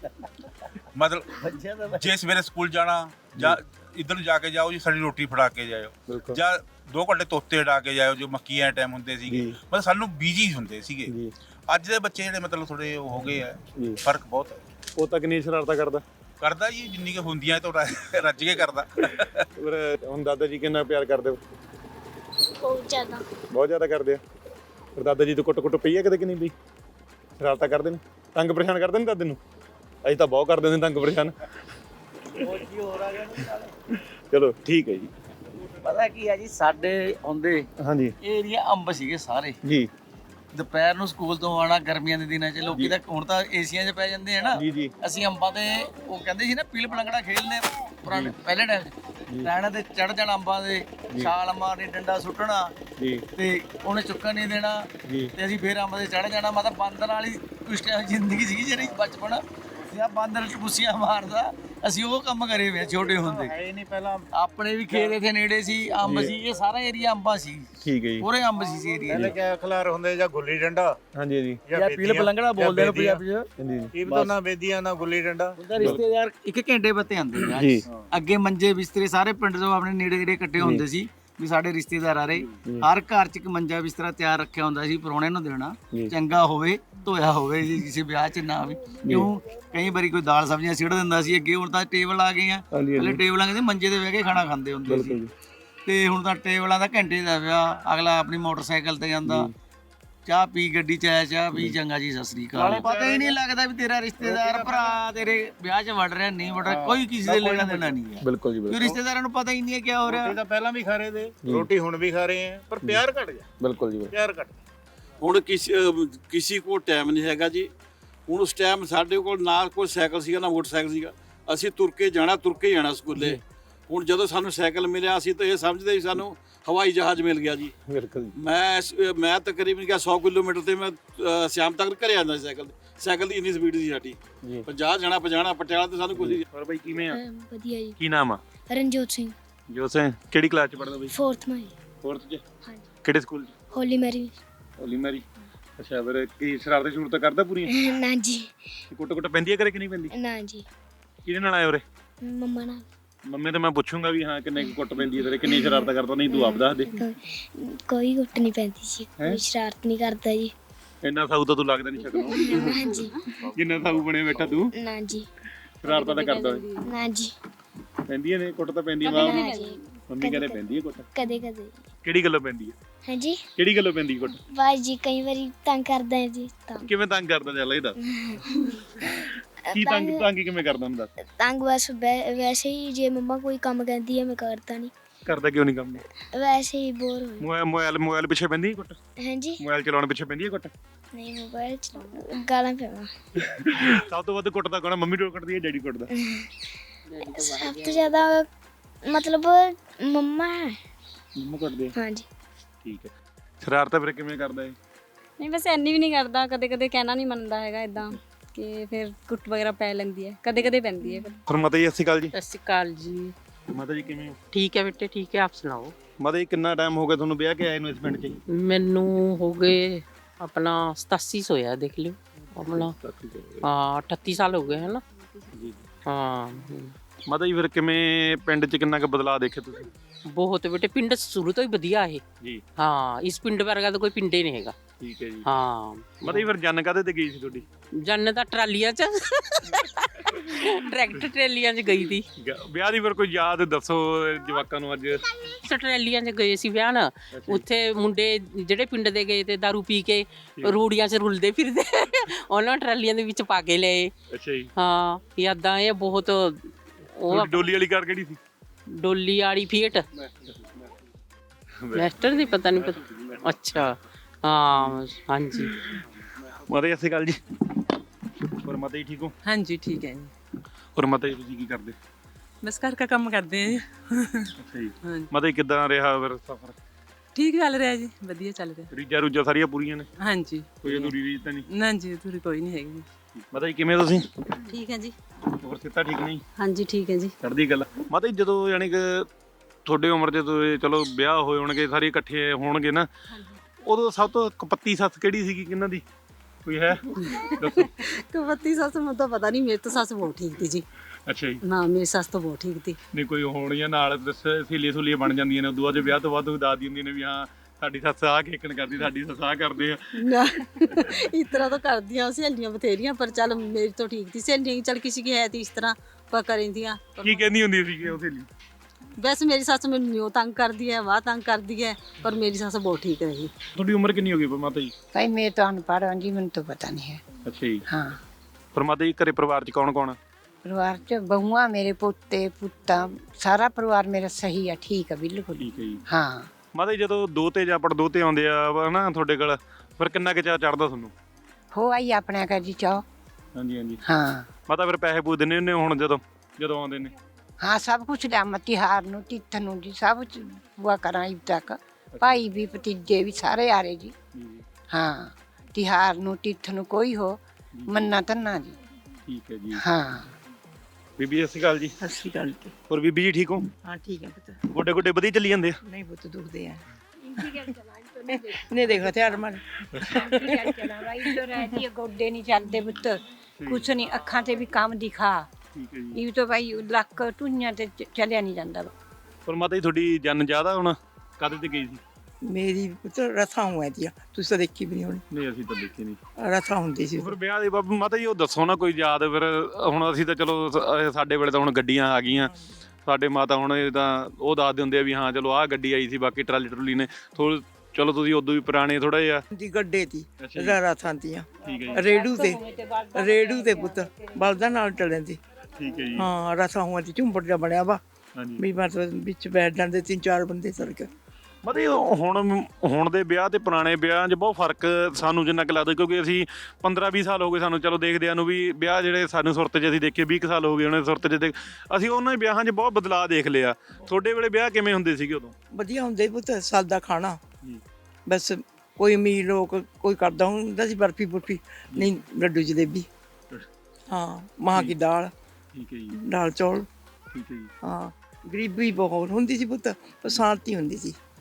Speaker 6: ਮਤਲਬ ਜੇ ਸਵੇਰੇ ਸਕੂਲ ਜਾਣਾ ਜਾਂ ਇੱਧਰ ਨੂੰ ਜਾ ਕੇ ਜਾਓ ਜੀ ਸਾਡੀ ਰੋਟੀ ਫੜਾ ਕੇ ਜਾਇਓ
Speaker 1: ਬਿਲਕੁਲ।
Speaker 6: ਜਾਂ 2 ਘੰਟੇ ਤੋਤੇ ਉਡਾ ਕੇ ਜਾਇਓ ਜੋ ਮੱਕੀਆਂ ਟਾਈਮ ਹੁੰਦੇ ਸੀਗੇ
Speaker 1: ਜੀ।
Speaker 6: ਮਤਲਬ ਸਾਨੂੰ ਬਿਜੀ ਹੁੰਦੇ ਸੀਗੇ
Speaker 1: ਜੀ।
Speaker 6: ਅੱਜ ਦੇ ਬੱਚੇ ਜਿਹੜੇ ਮਤਲਬ ਥੋੜੇ ਹੋ ਗਏ ਆ
Speaker 1: ਜੀ।
Speaker 6: ਫਰਕ ਬਹੁਤ ਹੈ
Speaker 1: ਪੋਤਾ ਕਿੰਨੀ ਸ਼ਰਾਰਤਾਂ ਕਰਦਾ?
Speaker 6: ਕਰਦਾ ਜੀ ਜਿੰਨੀ ਕਿ ਹੁੰਦੀਆਂ ਤਾਂ ਰੱਜ ਕੇ ਕਰਦਾ
Speaker 1: ਫਿਰ ਹੁਣ ਦਾਦਾ ਜੀ ਕਿੰਨਾ ਪਿਆਰ ਕਰਦੇ ਹੋ?
Speaker 7: ਬਹੁਤ ਜ਼ਿਆਦਾ।
Speaker 1: ਬਹੁਤ ਜ਼ਿਆਦਾ ਕਰਦੇ ਆ। ਫਿਰ ਦਾਦਾ ਜੀ ਤੋਂ ਕੁੱਟ ਪਈ ਆ ਕਿਤੇ ਕਿ ਨਹੀਂ ਪਈ? ਸ਼ਰਾਰਤਾਂ ਕਰਦੇ ਨੇ ਤੰਗ ਪਰੇਸ਼ਾਨ ਕਰਦੇ ਨੇ ਦਾਦੇ ਨੂੰ? ਅਸੀਂ ਤਾਂ ਬਹੁਤ ਕਰਦੇ ਨੇ ਤੰਗ ਪਰੇਸ਼ਾਨ। ਚਲੋ ਠੀਕ ਹੈ ਜੀ।
Speaker 2: ਪਤਾ ਕੀ ਹੈ ਜੀ ਸਾਡੇ ਆਉਂਦੇ
Speaker 1: ਹਾਂਜੀ।
Speaker 2: ਏਰੀਆ ਅੰਬ ਸੀਗੇ ਸਾਰੇ
Speaker 1: ਜੀ।
Speaker 2: ਦੁਪਹਿਰ ਨੂੰ ਸਕੂਲ ਤੋਂ ਆਉਣਾ ਗਰਮੀਆਂ ਦੇ ਦਿਨਾਂ 'ਚ ਲੋਕੀ ਤਾਂ ਹੁਣ ਤਾਂ ਏਸੀਆਂ 'ਚ ਪੈ ਜਾਂਦੇ ਆ ਨਾ
Speaker 1: ਜੀ। ਜੀ।
Speaker 2: ਅਸੀਂ ਅੰਬਾਂ ਦੇ ਉਹ ਕਹਿੰਦੇ ਸੀ ਨਾ ਪੀਲ ਪਲੰਗੜਾ ਖੇਡਦੇ ਪੁਰਾਣੇ ਪਹਿਲੇ ਟਾਈਮ 'ਚ ਰਹਿਣਾ ਤੇ ਚੜ ਜਾਣਾ ਅੰਬਾਂ ਦੇ ਛਾਲ ਮਾਰਨੀ ਡੰਡਾ ਸੁੱਟਣਾ
Speaker 1: ਜੀ।
Speaker 2: ਤੇ ਉਹਨੇ ਚੁੱਕਣ ਨਹੀਂ ਦੇਣਾ
Speaker 1: ਜੀ।
Speaker 2: ਤੇ ਅਸੀਂ ਫੇਰ ਅੰਬ ਦੇ ਚੜ ਜਾਣਾ ਮਤਲਬ ਬਾਂਦਰ ਵਾਲੀ ਉਸ ਟਾਈਮ ਜ਼ਿੰਦਗੀ ਸੀਗੀ ਜਿਹੜੀ ਬਚਪਨ ਜਾਂ ਬਾਂਦਰ ਟਪੂਸੀਆਂ ਮਾਰਦਾ ਅਸੀਂ ਉਹ ਕੰਮ ਕਰੇ ਹੋਏ ਛੋਟੇ ਹੁੰਦੇ ਨਹੀਂ ਪਹਿਲਾਂ ਆਪਣੇ ਵੀ ਖੇਤ ਇੱਥੇ ਨੇੜੇ ਸੀ ਅੰਬ ਸੀ ਇਹ ਸਾਰਾ ਏਰੀਆ ਅੰਬਾਂ ਸੀ
Speaker 1: ਠੀਕ ਹੈ ਜੀ।
Speaker 2: ਪੂਰੇ ਅੰਬ ਸੀ ਏਰੀਆ
Speaker 4: ਪਹਿਲੇ ਕਿਆ ਖਲਾਰ ਹੁੰਦੇ ਜਾਂ ਗੁੱਲੀ ਡੰਡਾ
Speaker 1: ਹਾਂਜੀ ਜੀ।
Speaker 2: ਜਾਂ ਪੀਲ ਪਲੰਗੜਾ ਬੋਲਦੇ ਨੇ ਪੰਜਾਬੀ 'ਚ
Speaker 1: ਹਾਂਜੀ
Speaker 4: ਇਹ ਵੀ ਤਾਂ ਨਾ ਵੇਦੀਆਂ ਨਾ ਗੁੱਲੀ ਡੰਡਾ
Speaker 2: ਉਹਦਾ ਰਿਸ਼ਤੇਦਾਰ ਇੱਕ ਘੰਟੇ ਬੱਤੇ ਆਉਂਦੇ ਨੇ
Speaker 1: ਜੀ।
Speaker 2: ਅੱਗੇ ਮੰਜੇ ਬਿਸਤਰੇ ਸਾਰੇ ਪਿੰਡ ਤੋਂ ਆਪਣੇ ਨੇੜੇ ਨੇੜੇ ਇਕੱਠੇ ਹੁੰਦੇ ਸੀ ਵੀ ਸਾਡੇ ਰਿਸ਼ਤੇਦਾਰ ਆ ਰਹੇ ਹਰ ਘਰ 'ਚ ਇੱਕ ਮੰਜਾ ਬਿਸਤਰਾ ਤਿਆਰ ਰੱਖਿਆ ਹੁੰਦਾ ਸੀ ਪਰੋਣੇ ਨੂੰ ਦੇਣਾ ਚੰਗਾ ਹੋਵੇ ਧੋਇਆ ਹੋਵੇ ਜੀ ਕਿਸੇ ਵਿਆਹ 'ਚ ਨਾ ਵੀ ਕਿਉਂ ਕਈ ਵਾਰੀ ਕੋਈ ਦਾਲ ਸਬਜ਼ੀਆਂ ਸਿੱਟ ਦਿੰਦਾ ਸੀ ਅੱਗੇ ਹੁਣ ਤਾਂ ਟੇਬਲ ਆ ਗਏ ਆ ਪਹਿਲੇ ਟੇਬਲਾਂ ਕਹਿੰਦੇ ਮੰਜੇ ਤੇ ਬਹਿ ਕੇ ਖਾਣਾ ਖਾਂਦੇ ਹੁੰਦੇ ਸੀ ਤੇ ਹੁਣ ਤਾਂ ਟੇਬਲਾਂ ਦਾ ਘੰਟੇ ਦਾ ਵਿਆਹ ਅਗਲਾ ਆਪਣੀ ਮੋਟਰਸਾਈਕਲ ਤੇ ਜਾਂਦਾ ਚਾਹ ਪੀ ਗੱਡੀ 'ਚ ਆਇਆ ਚਾਹ ਪੀ ਚੰਗਾ ਜੀ ਸਤਿ ਸ੍ਰੀ ਅਕਾਲ ਪਤਾ ਹੀ ਨਹੀਂ ਲੱਗਦਾ ਵੀ ਤੇਰਾ ਰਿਸ਼ਤੇਦਾਰ ਭਰਾ ਤੇਰੇ ਵਿਆਹ 'ਚ ਵੜ ਰਿਹਾ ਨਹੀਂ ਵੜ ਰਿਹਾ ਕੋਈ ਕਿਸੇ ਦੇ ਲੈਣਾ ਦੇਣਾ ਨਹੀਂ ਹੈ
Speaker 1: ਬਿਲਕੁਲ ਜੀ।
Speaker 2: ਕਿਉਂ ਰਿਸ਼ਤੇਦਾਰਾਂ ਨੂੰ ਪਤਾ ਹੀ ਨਹੀਂ ਹੈ ਕੀ ਹੋ ਰਿਹਾ
Speaker 4: ਤਾਂ ਪਹਿਲਾਂ ਵੀ ਖਾ ਰਹੇ ਤੇ ਰੋਟੀ ਹੁਣ ਵੀ ਖਾ ਰਹੇ ਆ ਪਰ ਪਿਆਰ ਘਟ ਗਿਆ
Speaker 1: ਬਿਲਕੁਲ ਜੀ।
Speaker 4: ਪਿਆਰ ਘਟ
Speaker 3: ਹੁਣ ਕਿਸੇ ਕੋਲ ਟਾਈਮ ਨਹੀਂ ਹੈਗਾ ਜੀ ਹੁਣ ਉਸ ਟਾਈਮ ਸਾਡੇ ਕੋਲ ਨਾ ਕੋਈ ਸਾਈਕਲ ਸੀਗਾ ਨਾ ਮੋਟਰਸਾਈਕਲ ਸੀਗਾ ਅਸੀਂ ਤੁਰ ਕੇ ਜਾਣਾ ਸਕੂਲੇ ਹੁਣ ਜਦੋਂ ਸਾਨੂੰ ਸਾਈਕਲ ਮਿਲਿਆ ਅਸੀਂ ਤਾਂ ਇਹ ਸਮਝਦੇ ਸੀ ਸਾਨੂੰ ਹਵਾਈ ਜਹਾਜ਼ ਮਿਲ ਗਿਆ ਜੀ
Speaker 1: ਬਿਲਕੁਲ।
Speaker 3: ਮੈਂ ਤਕਰੀਬਨ 100 ਕਿਲੋਮੀਟਰ ਤੇ ਮੈਂ ਸ਼ਾਮ ਤੱਕ ਘਰੇ ਆਉਂਦਾ ਸੀ ਸਾਈਕਲ ਦੀ ਇੰਨੀ ਸਪੀਡ ਸੀ ਸਾਡੀ 50 ਜਾਣਾ ਪਟਿਆਲਾ ਤੇ ਸਾਨੂੰ ਕੁਝ
Speaker 1: ਹੋਰ ਬਾਈ ਕਿਵੇਂ ਆ?
Speaker 7: ਵਧੀਆ ਜੀ।
Speaker 1: ਕੀ ਨਾਮ ਆ?
Speaker 7: ਰਣਜੋਤ ਸਿੰਘ
Speaker 1: ਜੋਤ ਸਿੰਘ ਕਿਹੜੀ ਕਲਾਸ ਚ ਪੜ੍ਹਦਾ ਬਾਈ?
Speaker 7: 4th ਮਾਈ
Speaker 1: 4th 'ਚ
Speaker 7: ਹਾਂਜੀ
Speaker 1: ਕਿਹੜੇ ਸਕੂਲ 'ਚ?
Speaker 7: Holy Mary
Speaker 1: Holy Mary. ਅੱਛਾ ਫਿਰ ਕੀ ਸ਼ਰਾਰਤਾਂ ਸ਼ੁਰਤਾਂ ਕਰਦਾ ਪੂਰੀਆਂ?
Speaker 7: ਨਾ ਜੀ
Speaker 1: ਕੁੱਟ ਪੈਂਦੀ ਹੈ ਘਰੇ ਕਿ ਨਹੀਂ ਪੈਂਦੀ?
Speaker 7: ਨਾ ਜੀ
Speaker 1: ਕਿਹਦੇ ਨਾਲ ਆਏ ਉਰੇ?
Speaker 7: ਮੰਮਾ ਨਾਲ
Speaker 1: ਮੰਮੀ ਤੇ ਮੈਂ ਪੁੱਛੂੰਗਾ ਵੀ ਹਾਂ ਕਿੰਨੇ ਕੁ ਕੁੱਟ ਪੈਂਦੀ ਹੈ ਤੇਰੇ, ਕਿੰਨੀ ਸ਼ਰਾਰਤਾਂ ਕਰਦਾ? ਨਹੀਂ ਤੂੰ ਆਪ ਦੱਸ ਦੇ।
Speaker 7: ਕੋਈ ਗੁੱਟ ਨਹੀਂ ਪੈਂਦੀ ਜੀ
Speaker 1: ਹੈਂ?
Speaker 7: ਕੋਈ ਸ਼ਰਾਰਤ ਨਹੀਂ ਕਰਦਾ ਜੀ
Speaker 1: ਇੰਨਾ ਸਾਊ ਤਾਂ ਤੂੰ ਲੱਗਦਾ ਨਹੀਂ ਸ਼ਕਲੋਂ।
Speaker 7: ਨਾ ਜੀ
Speaker 1: ਜਿੰਨਾ ਸਾਊ ਬਣੇ ਬੈਠਾ ਤੂੰ,
Speaker 7: ਨਾ ਜੀ
Speaker 1: ਸ਼ਰਾਰਤਾਂ ਤਾਂ ਕਰਦਾ ਹੋਏ।
Speaker 7: ਨਾ ਜੀ
Speaker 1: ਪੈਂਦੀਆਂ ਨੇ ਕੁੱਟ ਤਾਂ ਪੈਂਦੀ ਮਾਂ।
Speaker 7: ਨਾ ਜੀ
Speaker 1: ਮੰਮੀ ਕਹਿੰਦੇ ਪੈਂਦੀ ਹੈ ਕੁੱਟ।
Speaker 7: ਕਦੇ ਕਦੇ
Speaker 1: ਕਿਹੜੀ ਗੱਲੋਂ ਪੈਂਦੀ ਹੈ?
Speaker 7: ਹਾਂਜੀ
Speaker 1: ਕਿਹੜੀ ਗੱਲੋਂ ਪੈਂਦੀ ਕੁੱਟ?
Speaker 7: ਬਾਈ ਜੀ ਕਈ ਵਾਰੀ ਤੰਗ ਕਰਦਾ ਹੈ ਜੀ ਤਾਂ
Speaker 1: ਕਿਵੇਂ ਤੰਗ ਕਰਦਾ ਚੱਲ ਇਹ ਦੱਸ। ਕੀ ਤੰਗ ਕਿਵੇਂ ਕਰਦਾ ਹੁੰਦਾ?
Speaker 7: ਤੰਗ ਬਸ ਵੈਸੇ ਹੀ ਜੇ ਮੰਮਾ ਕੋਈ ਕੰਮ ਕਹਿੰਦੀ ਹੈ ਮੈਂ ਕਰਦਾ ਨਹੀਂ
Speaker 1: ਕਰਦਾ ਕਿਉਂ ਨਹੀਂ ਕੰਮ?
Speaker 7: ਵੈਸੇ ਹੀ ਬੋਰ ਹੋਈ
Speaker 1: ਮੋਬਾਈਲ ਪਿੱਛੇ ਪੈਂਦੀ ਹੈ ਕੁੱਟ?
Speaker 7: ਹਾਂਜੀ
Speaker 1: ਮੋਬਾਈਲ ਚਲਾਉਣ ਪਿੱਛੇ ਪੈਂਦੀ ਹੈ ਕੁੱਟ?
Speaker 7: ਨਹੀਂ ਮੋਬਾਈਲ ਚ ਗਾਲਾਂ ਪੈਣਾ
Speaker 1: ਸਭ ਤੋਂ ਵੱਧ ਕੁੱਟਦਾ ਕੌਣ? ਮੰਮੀ ਡੋਰ ਕੁੱਟਦੀ ਹੈ ਡੈਡੀ ਕੁੱਟਦਾ?
Speaker 7: ਸਭ ਤੋਂ ਜ਼ਿਆਦਾ ਮਤਲਬ ਮੰਮਾ ਹੈ।
Speaker 1: ਮੰਮਾ ਕੁੱਟਦੇ ਆ।
Speaker 7: ਹਾਂਜੀ
Speaker 1: ਠੀਕ ਹੈ। ਸ਼ਰਾਰਤਾਂ ਫਿਰ ਕਿਵੇਂ ਕਰਦਾ ਇਹ?
Speaker 11: ਨਹੀਂ ਬਸ ਇੰਨੀ ਵੀ ਨਹੀਂ ਕਰਦਾ, ਕਦੇ ਕਦੇ ਕਹਿਣਾ ਨਹੀਂ ਮੰਨਦਾ ਹੈਗਾ ਇਦਾਂ ਕਿ ਫਿਰ ਕੁੱਟ ਵਗੈਰਾ ਪੈ ਲੈਂਦੀ ਹੈ, ਕਦੇ ਕਦੇ ਪੈਂਦੀ ਹੈ ਫਿਰ।
Speaker 1: ਫਿਰ ਮਾਤਾ ਜੀ ਸਤਿ ਸ਼੍ਰੀ ਅਕਾਲ ਜੀ।
Speaker 5: ਸਤਿ ਸ਼੍ਰੀ ਅਕਾਲ ਜੀ।
Speaker 1: ਮਾਤਾ ਜੀ ਕਿਵੇਂ ਹੋ?
Speaker 5: ਠੀਕ ਹੈ ਬੇਟੇ, ਠੀਕ ਹੈ, ਆਪ ਸੁਣਾਓ।
Speaker 1: ਮਾਤਾ ਜੀ ਕਿੰਨਾ ਟਾਈਮ ਹੋ ਗਿਆ ਤੁਹਾਨੂੰ ਵਿਆਹ ਕੇ ਆਏ ਨੂੰ ਇਸ ਪਿੰਡ 'ਚ?
Speaker 5: ਮੈਨੂੰ ਹੋ ਗਏ ਆਪਣਾ 87 ਹੋਇਆ, ਦੇਖ ਲਿਓ ਆਪਣਾ। ਹਾਂ 38 ਸਾਲ ਹੋ ਗਏ ਹੈ ਨਾ
Speaker 1: ਜੀ।
Speaker 5: ਹਾਂ
Speaker 1: ਮਾਤਾ ਜੀ ਫਿਰ ਕਿਵੇਂ ਪਿੰਡ 'ਚ ਕਿੰਨਾ ਕੁ ਬਦਲਾਅ ਦੇਖੇ ਤੁਸੀਂ?
Speaker 5: ਬਹੁਤ ਬੇਟੇ, ਪਿੰਡ ਸ਼ੁਰੂ ਤੋਂ ਹੀ ਵਧੀਆ ਇਹ।
Speaker 1: ਜੀ।
Speaker 5: ਹਾਂ ਇਸ ਪਿੰਡ ਵਰਗਾ ਤਾਂ ਕੋਈ ਪਿੰਡ ਹੀ ਨਹੀਂ ਹੈਗਾ।
Speaker 1: ਠੀਕ ਹੈ ਜੀ।
Speaker 5: ਹਾਂ
Speaker 1: ਮਾਤਾ ਜੀ ਫਿਰ ਜਨ ਕਾਹਦੇ ਤੇ ਗਈ ਸੀ ਤੁਹਾਡੀ?
Speaker 5: ਜੰਨ ਤਾਂ ਟਰਾਲੀਆਂ 'ਚ ਟਰੈਕਟਰ ਟਰਾਲੀਆਂ 'ਚ ਗਈ ਸੀ।
Speaker 1: ਵਿਆਹ ਦੀ ਫਿਰ ਕੋਈ ਯਾਦ ਦੱਸੋ ਜਵਾਕਾਂ ਨੂੰ ਅੱਜ।
Speaker 5: ਟਰਾਲੀਆਂ 'ਚ ਗਏ ਸੀ ਵਿਆਹ ਨਾ, ਉੱਥੇ ਮੁੰਡੇ ਜਿਹੜੇ ਪਿੰਡ ਦੇ ਗਏ ਤੇ ਦਾਰੂ ਪੀ ਕੇ ਰੂੜੀਆਂ 'ਚ ਰੁਲਦੇ ਫਿਰਦੇ ਉਹਨਾਂ ਟਰਾਲੀਆਂ ਦੇ ਵਿੱਚ ਪਾ ਕੇ ਲਏ।
Speaker 1: ਅੱਛਾ ਜੀ।
Speaker 5: ਹਾਂ ਯਾਦਾਂ ਇਹ ਬਹੁਤ। ਉਹ
Speaker 1: ਡੋਲੀ ਵਾਲੀ ਕਾਰ ਕਿਹੜੀ ਸੀ?
Speaker 5: ਡੋਲੀ ਵਾਲੀ ਫੀਟ ਮੈਸਟਰ ਦੀ ਪਤਾ ਨਹੀਂ ਪਤਾ। ਅੱਛਾ ਹਾਂ ਹਾਂਜੀ।
Speaker 1: ਮਾਤਾ ਜੀ ਸਤਿ ਸ਼੍ਰੀ ਅਕਾਲ ਜੀ। ਹੋਰ ਮਾਤਾ ਜੀ ਠੀਕ ਹੋ?
Speaker 12: ਹਾਂਜੀ ਠੀਕ ਹੈ ਜੀ।
Speaker 1: ਹੋਰ ਮਾਤਾ ਜੀ ਤੁਸੀਂ ਕੀ ਕਰਦੇ?
Speaker 12: ਬਸ ਘਰ ਦਾ ਕੰਮ ਕਰਦੇ ਆ ਜੀ।
Speaker 1: ਅੱਛਾ ਜੀ।
Speaker 12: ਹਾਂਜੀ
Speaker 1: ਮਾਤਾ ਜੀ ਕਿੱਦਾਂ ਰਿਹਾ ਫਿਰ ਸਫ਼ਰ?
Speaker 12: ਠੀਕ ਚੱਲ ਰਿਹਾ ਜੀ, ਵਧੀਆ ਚੱਲ ਰਿਹਾ।
Speaker 1: ਰੀਜਾਂ ਰੂਜਾਂ ਸਾਰੀਆਂ ਪੂਰੀਆਂ ਨੇ?
Speaker 12: ਹਾਂਜੀ
Speaker 1: ਕੋਈ ਅਧੂਰੀ ਰੀਜ ਤਾਂ ਨਹੀਂ?
Speaker 12: ਨਾ ਜੀ ਅਧੂਰੀ ਕੋਈ ਨਹੀਂ ਹੈਗੀ ਜੀ।
Speaker 1: ਮਾਤਾ ਜੀ ਕਿਵੇਂ ਤੁਸੀਂ?
Speaker 11: ਠੀਕ ਹੈ ਜੀ।
Speaker 1: ਹੋਰ ਸਿੱਧਾ ਠੀਕ ਨਹੀਂ?
Speaker 11: ਹਾਂਜੀ ਠੀਕ ਹੈ ਜੀ।
Speaker 1: ਚੜ੍ਹਦੀ ਗੱਲ। ਮਾਤਾ ਜੀ ਜਦੋਂ ਯਾਨੀ ਕਿ ਤੁਹਾਡੇ ਉਮਰ ਦੇ ਤੋਂ ਚਲੋ ਵਿਆਹ ਹੋਏ ਹੋਣਗੇ, ਸਾਰੇ ਇਕੱਠੇ ਹੋਣਗੇ ਨਾ, ਉਦੋਂ ਸਭ ਤੋਂ ਕਪੱਤੀ ਸੱਸ ਕਿਹੜੀ ਸੀਗੀ ਕਿਹਨਾਂ ਦੀ? ਕੋਈ ਹੈ ਦੱਸੋ।
Speaker 11: ਕਪੱਤੀ ਸੱਸ ਮੈਨੂੰ ਤਾਂ ਪਤਾ ਨਹੀਂ, ਮੇਰੀ ਤਾਂ ਸੱਸ ਬਹੁਤ ਠੀਕ ਸੀ ਜੀ।
Speaker 1: ਅੱਛਾ ਜੀ।
Speaker 11: ਨਾ ਮੇਰੀ ਸੱਸ ਤਾਂ ਬਹੁਤ ਠੀਕ ਸੀ।
Speaker 1: ਨਹੀਂ ਕੋਈ ਹੋਣੀਆਂ ਨਾਲ ਸਹੇਲੀਆਂ ਸੁਲੀਆਂ ਬਣ ਜਾਂਦੀਆਂ ਨੇ ਉਦੋਂ ਬਾਅਦ ਵਿਆਹ ਤੋਂ ਬਾਅਦ ਦੱਸਦੀ ਹੁੰਦੀਆਂ ਨੇ ਵੀ ਹਾਂ ਸਾਡੀ ਸੱਸ ਆਹ ਖੇਕਣ ਕਰਦੀ, ਸਾਡੀ ਸੱਸ ਆਹ ਕਰਦੇ ਆ।
Speaker 11: ਨਾ ਇਸ ਤਰ੍ਹਾਂ ਤਾਂ ਕਰਦੀਆਂ ਸਹੇਲੀਆਂ ਬਥੇਰੀਆਂ, ਪਰ ਚੱਲ ਮੇਰੀ ਤਾਂ ਠੀਕ ਸੀ ਸਹੇਲੀਆਂ। ਚੱਲ ਕਿਸੇ ਕੀ ਹੈ ਤੀ ਇਸ ਤਰ੍ਹਾਂ ਪਰ ਕਰਿੰਦੀਆਂ।
Speaker 1: ਕੀ ਕਹਿੰਦੀ ਹੁੰਦੀ ਸੀ ਉਹ ਸਹੇਲੀ?
Speaker 11: ਵੈਸੇ ਮੇਰੀ ਸੱਸ ਮੈਨੂੰ ਨਿਉ ਤੰਗ ਕਰਦੀ ਹੈ, ਵਾਹ ਤੰਗ ਕਰਦੀ ਹੈ, ਪਰ ਮੇਰੀ ਸੱਸ ਬਹੁਤ ਠੀਕ ਰਹੀ।
Speaker 1: ਤੁਹਾਡੀ ਉਮਰ ਕਿੰਨੀ ਹੋ ਗਈ ਮਾਤਾ ਜੀ?
Speaker 12: ਭਾਈ ਮੈਂ ਤਾਂ ਅਨਪੜ੍ਹ ਹਾਂ ਜੀ, ਮੈਨੂੰ ਤਾਂ ਪਤਾ ਨਹੀਂ ਹੈ।
Speaker 1: ਅੱਛਾ ਜੀ।
Speaker 12: ਹਾਂ
Speaker 1: ਪਰ ਮਾਤਾ ਜੀ ਘਰੇ ਪਰਿਵਾਰ 'ਚ ਕੌਣ ਕੌਣ ਆ?
Speaker 12: ਪਰਿਵਾਰ ਚ ਬਹੂਆਂ, ਮੇਰੇ ਪੋਤੇ ਪੁੱਤਾਂ, ਸਾਰਾ ਪਰਿਵਾਰ ਮੇਰਾ ਸਹੀ ਆ, ਠੀਕ ਆ ਬਿਲਕੁਲ।
Speaker 1: ਠੀਕ ਹੈ ਜੀ।
Speaker 12: ਹਾਂ
Speaker 1: ਮਾਤਾ ਜੀ ਜਦੋਂ ਦੋਤੇ ਜਾਂ ਪੜ ਦੋਤੇ ਆਉਂਦੇ ਆ ਹਨਾ ਤੁਹਾਡੇ ਕੋਲ, ਫਿਰ ਕਿੰਨਾ ਕੁ ਚਾਅ ਚੜਦਾ ਤੁਹਾਨੂੰ?
Speaker 12: ਹੋ ਆਈ ਆਪਣੇ ਘਰ ਜੀ ਚਾਹ।
Speaker 1: ਹਾਂਜੀ ਹਾਂਜੀ।
Speaker 12: ਹਾਂ
Speaker 1: ਮਾਤਾ ਫਿਰ ਪੈਸੇ ਪੂਸੇ ਦਿੰਦੇ ਹੁੰਦੇ ਹੋ ਹੁਣ ਜਦੋਂ ਆਉਂਦੇ ਨੇ?
Speaker 12: ਹਾਂ ਸਭ ਕੁਛ ਲਿਆ, ਤਿਉਹਾਰ ਨੂੰ ਤਿੱਥ ਨੂੰ ਜੀ ਸਭ ਕੁਛ ਬੁਆ ਕਰਾਂ ਇਬ ਤੱਕ। ਭਾਈ ਵੀ ਭਤੀਜੇ ਵੀ ਸਾਰੇ ਆ ਰਹੇ ਜੀ। ਹਾਂ ਤਿਉਹਾਰ ਨੂੰ ਤਿੱਥ ਨੂੰ ਕੋਈ ਹੋ ਮੰਨਾ ਧੰਨਾ ਜੀ।
Speaker 1: ਠੀਕ ਹੈ ਜੀ।
Speaker 12: ਹਾਂ
Speaker 1: ਬੀਬੀ ਸਤਿ ਸ਼੍ਰੀ ਅਕਾਲ ਜੀ।
Speaker 12: ਸਤਿ ਸ਼੍ਰੀ ਅਕਾਲ ਜੀ।
Speaker 1: ਹੋਰ ਬੀਬੀ ਜੀ ਠੀਕ ਹੋ?
Speaker 12: ਹਾਂ ਠੀਕ ਹੈ ਪੁੱਤ।
Speaker 1: ਗੋਡੇ ਗੋਡੇ ਵਧੀਆ ਚੱਲੀ ਜਾਂਦੇ ਆ?
Speaker 12: ਨਹੀਂ ਪੁੱਤ ਦੁਖਦੇ ਆ। ਨਹੀਂ ਦੇਖੋ ਹਥਿਆਰ ਮਾਰ ਗੋਡੇ ਨਹੀਂ ਚੱਲਦੇ ਪੁੱਤ, ਕੁਛ ਨਹੀਂ, ਅੱਖਾਂ ਤੇ ਵੀ ਕੰਮ ਦਿਖਾ।
Speaker 1: ਠੀਕ ਹੈ ਜੀ।
Speaker 12: ਇਹ ਤਾਂ ਭਾਈ ਲੱਕ ਟੁੰਨਿਆਂ ਤੇ ਚੱਲਿਆ ਨਹੀਂ ਜਾਂਦਾ।
Speaker 1: ਪਰ ਮਾਤਾ ਜੀ ਤੁਹਾਡੀ ਜਨ ਜ਼ਿਆਦਾ ਹੁਣ ਕਦ ਤੇ ਗਈ ਸੀ?
Speaker 12: ਮੇਰੀ ਪੁੱਤ ਰਥਾਂ ਹੋਇਆ ਦੀਆਂ, ਤੁਸੀਂ ਤਾਂ ਦੇਖੀ ਵੀ ਨਹੀਂ ਹੋਣੀ।
Speaker 1: ਨਹੀਂ ਅਸੀਂ ਤਾਂ ਦੇਖੀ ਨਹੀਂ।
Speaker 12: ਰਥਾਂ ਹੁੰਦੀ ਸੀ।
Speaker 1: ਫਿਰ ਵਿਆਹ ਦੇ ਬਾਬੂ ਮਾਤਾ ਜੀ ਉਹ ਦੱਸੋ ਨਾ ਕੋਈ ਯਾਦ। ਫਿਰ ਹੁਣ ਅਸੀਂ ਤਾਂ ਚਲੋ ਸਾਡੇ ਵੇਲੇ ਤਾਂ ਹੁਣ ਗੱਡੀਆਂ ਆ ਗਈਆਂ, ਸਾਡੇ ਮਾਤਾ ਹੁਣ ਤਾਂ ਉਹ ਦੱਸਦੇ ਹੁੰਦੇ ਆ ਵੀ ਹਾਂ ਚਲੋ ਆਹ ਗੱਡੀ ਆਈ ਸੀ, ਬਾਕੀ ਟਰਾਲੀ ਟਰੂਲੀ ਨੇ ਚਲੋ ਤੁਸੀਂ ਉਦੋਂ ਵੀ ਪੁਰਾਣੇ ਥੋੜਾ ਜਿਹਾ।
Speaker 12: ਦੀ ਗੱਡੇ ਦੀ ਰਥਾਂ ਦੀਆਂ
Speaker 1: ਠੀਕ ਹੈ ਜੀ।
Speaker 12: ਰੇੜੂ ਤੇ ਪੁੱਤ ਬਲਦਾਂ ਨਾਲ ਚੱਲਣ ਦੀ।
Speaker 1: ਠੀਕ ਹੈ ਜੀ।
Speaker 12: ਹਾਂ ਰਥਾਂ ਹੋਇਆ ਤੇ ਝੁੰਬੜ ਜਿਹਾ ਬਣਿਆ ਵਾ
Speaker 1: ਹਾਂਜੀ।
Speaker 12: ਵੀ ਮਤਲਬ ਵਿੱਚ ਬੈਠ ਜਾਂਦੇ 3-4 ਬੰਦੇ ਸੜਕ।
Speaker 1: ਮਤਲਬ ਹੁਣ ਦੇ ਵਿਆਹ ਤੇ ਪੁਰਾਣੇ ਵਿਆਹਾਂ 'ਚ ਬਹੁਤ ਫਰਕ ਸਾਨੂੰ ਜਿੰਨਾ ਕੁ ਲੱਗਦਾ, ਕਿਉਂਕਿ ਅਸੀਂ 15-20 ਸਾਲ ਹੋ ਗਏ ਸਾਨੂੰ ਚਲੋ ਦੇਖਦਿਆਂ ਨੂੰ ਵੀ ਵਿਆਹ ਜਿਹੜੇ ਸਾਨੂੰ ਸੁਰਤ 'ਚ ਅਸੀਂ ਦੇਖੇ 20 ਸਾਲ ਹੋ ਗਏ ਉਹਨੇ ਸੁਰਤ 'ਚ ਅਸੀਂ ਉਹਨਾਂ ਵਿਆਹਾਂ 'ਚ ਬਹੁਤ ਬਦਲਾਅ ਦੇਖ ਲਿਆ। ਤੁਹਾਡੇ ਵੇਲੇ ਵਿਆਹ ਕਿਵੇਂ ਹੁੰਦੇ ਸੀਗੇ ਉਦੋਂ?
Speaker 12: ਵਧੀਆ ਹੁੰਦੇ ਪੁੱਤ, ਸਾਦਾ ਖਾਣਾ ਬਸ। ਕੋਈ ਅਮੀਰ ਲੋਕ ਕੋਈ ਕਰਦਾ ਹੁੰਦਾ ਸੀ ਬਰਫੀ ਬੁਰਫੀ, ਨਹੀਂ ਲੱਡੂ ਜਲੇਬੀ। ਹਾਂ ਮਾਂ ਕੀ ਦਾਲ।
Speaker 1: ਠੀਕ ਹੈ ਜੀ।
Speaker 12: ਦਾਲ ਚੌਲ।
Speaker 1: ਠੀਕ ਹੈ ਜੀ।
Speaker 12: ਹਾਂ ਗਰੀਬੀ ਬਹੁਤ ਹੁੰਦੀ ਸੀ ਪੁੱਤ, ਪਰ ਸ਼ਾਂਤੀ ਹੁੰਦੀ ਸੀ।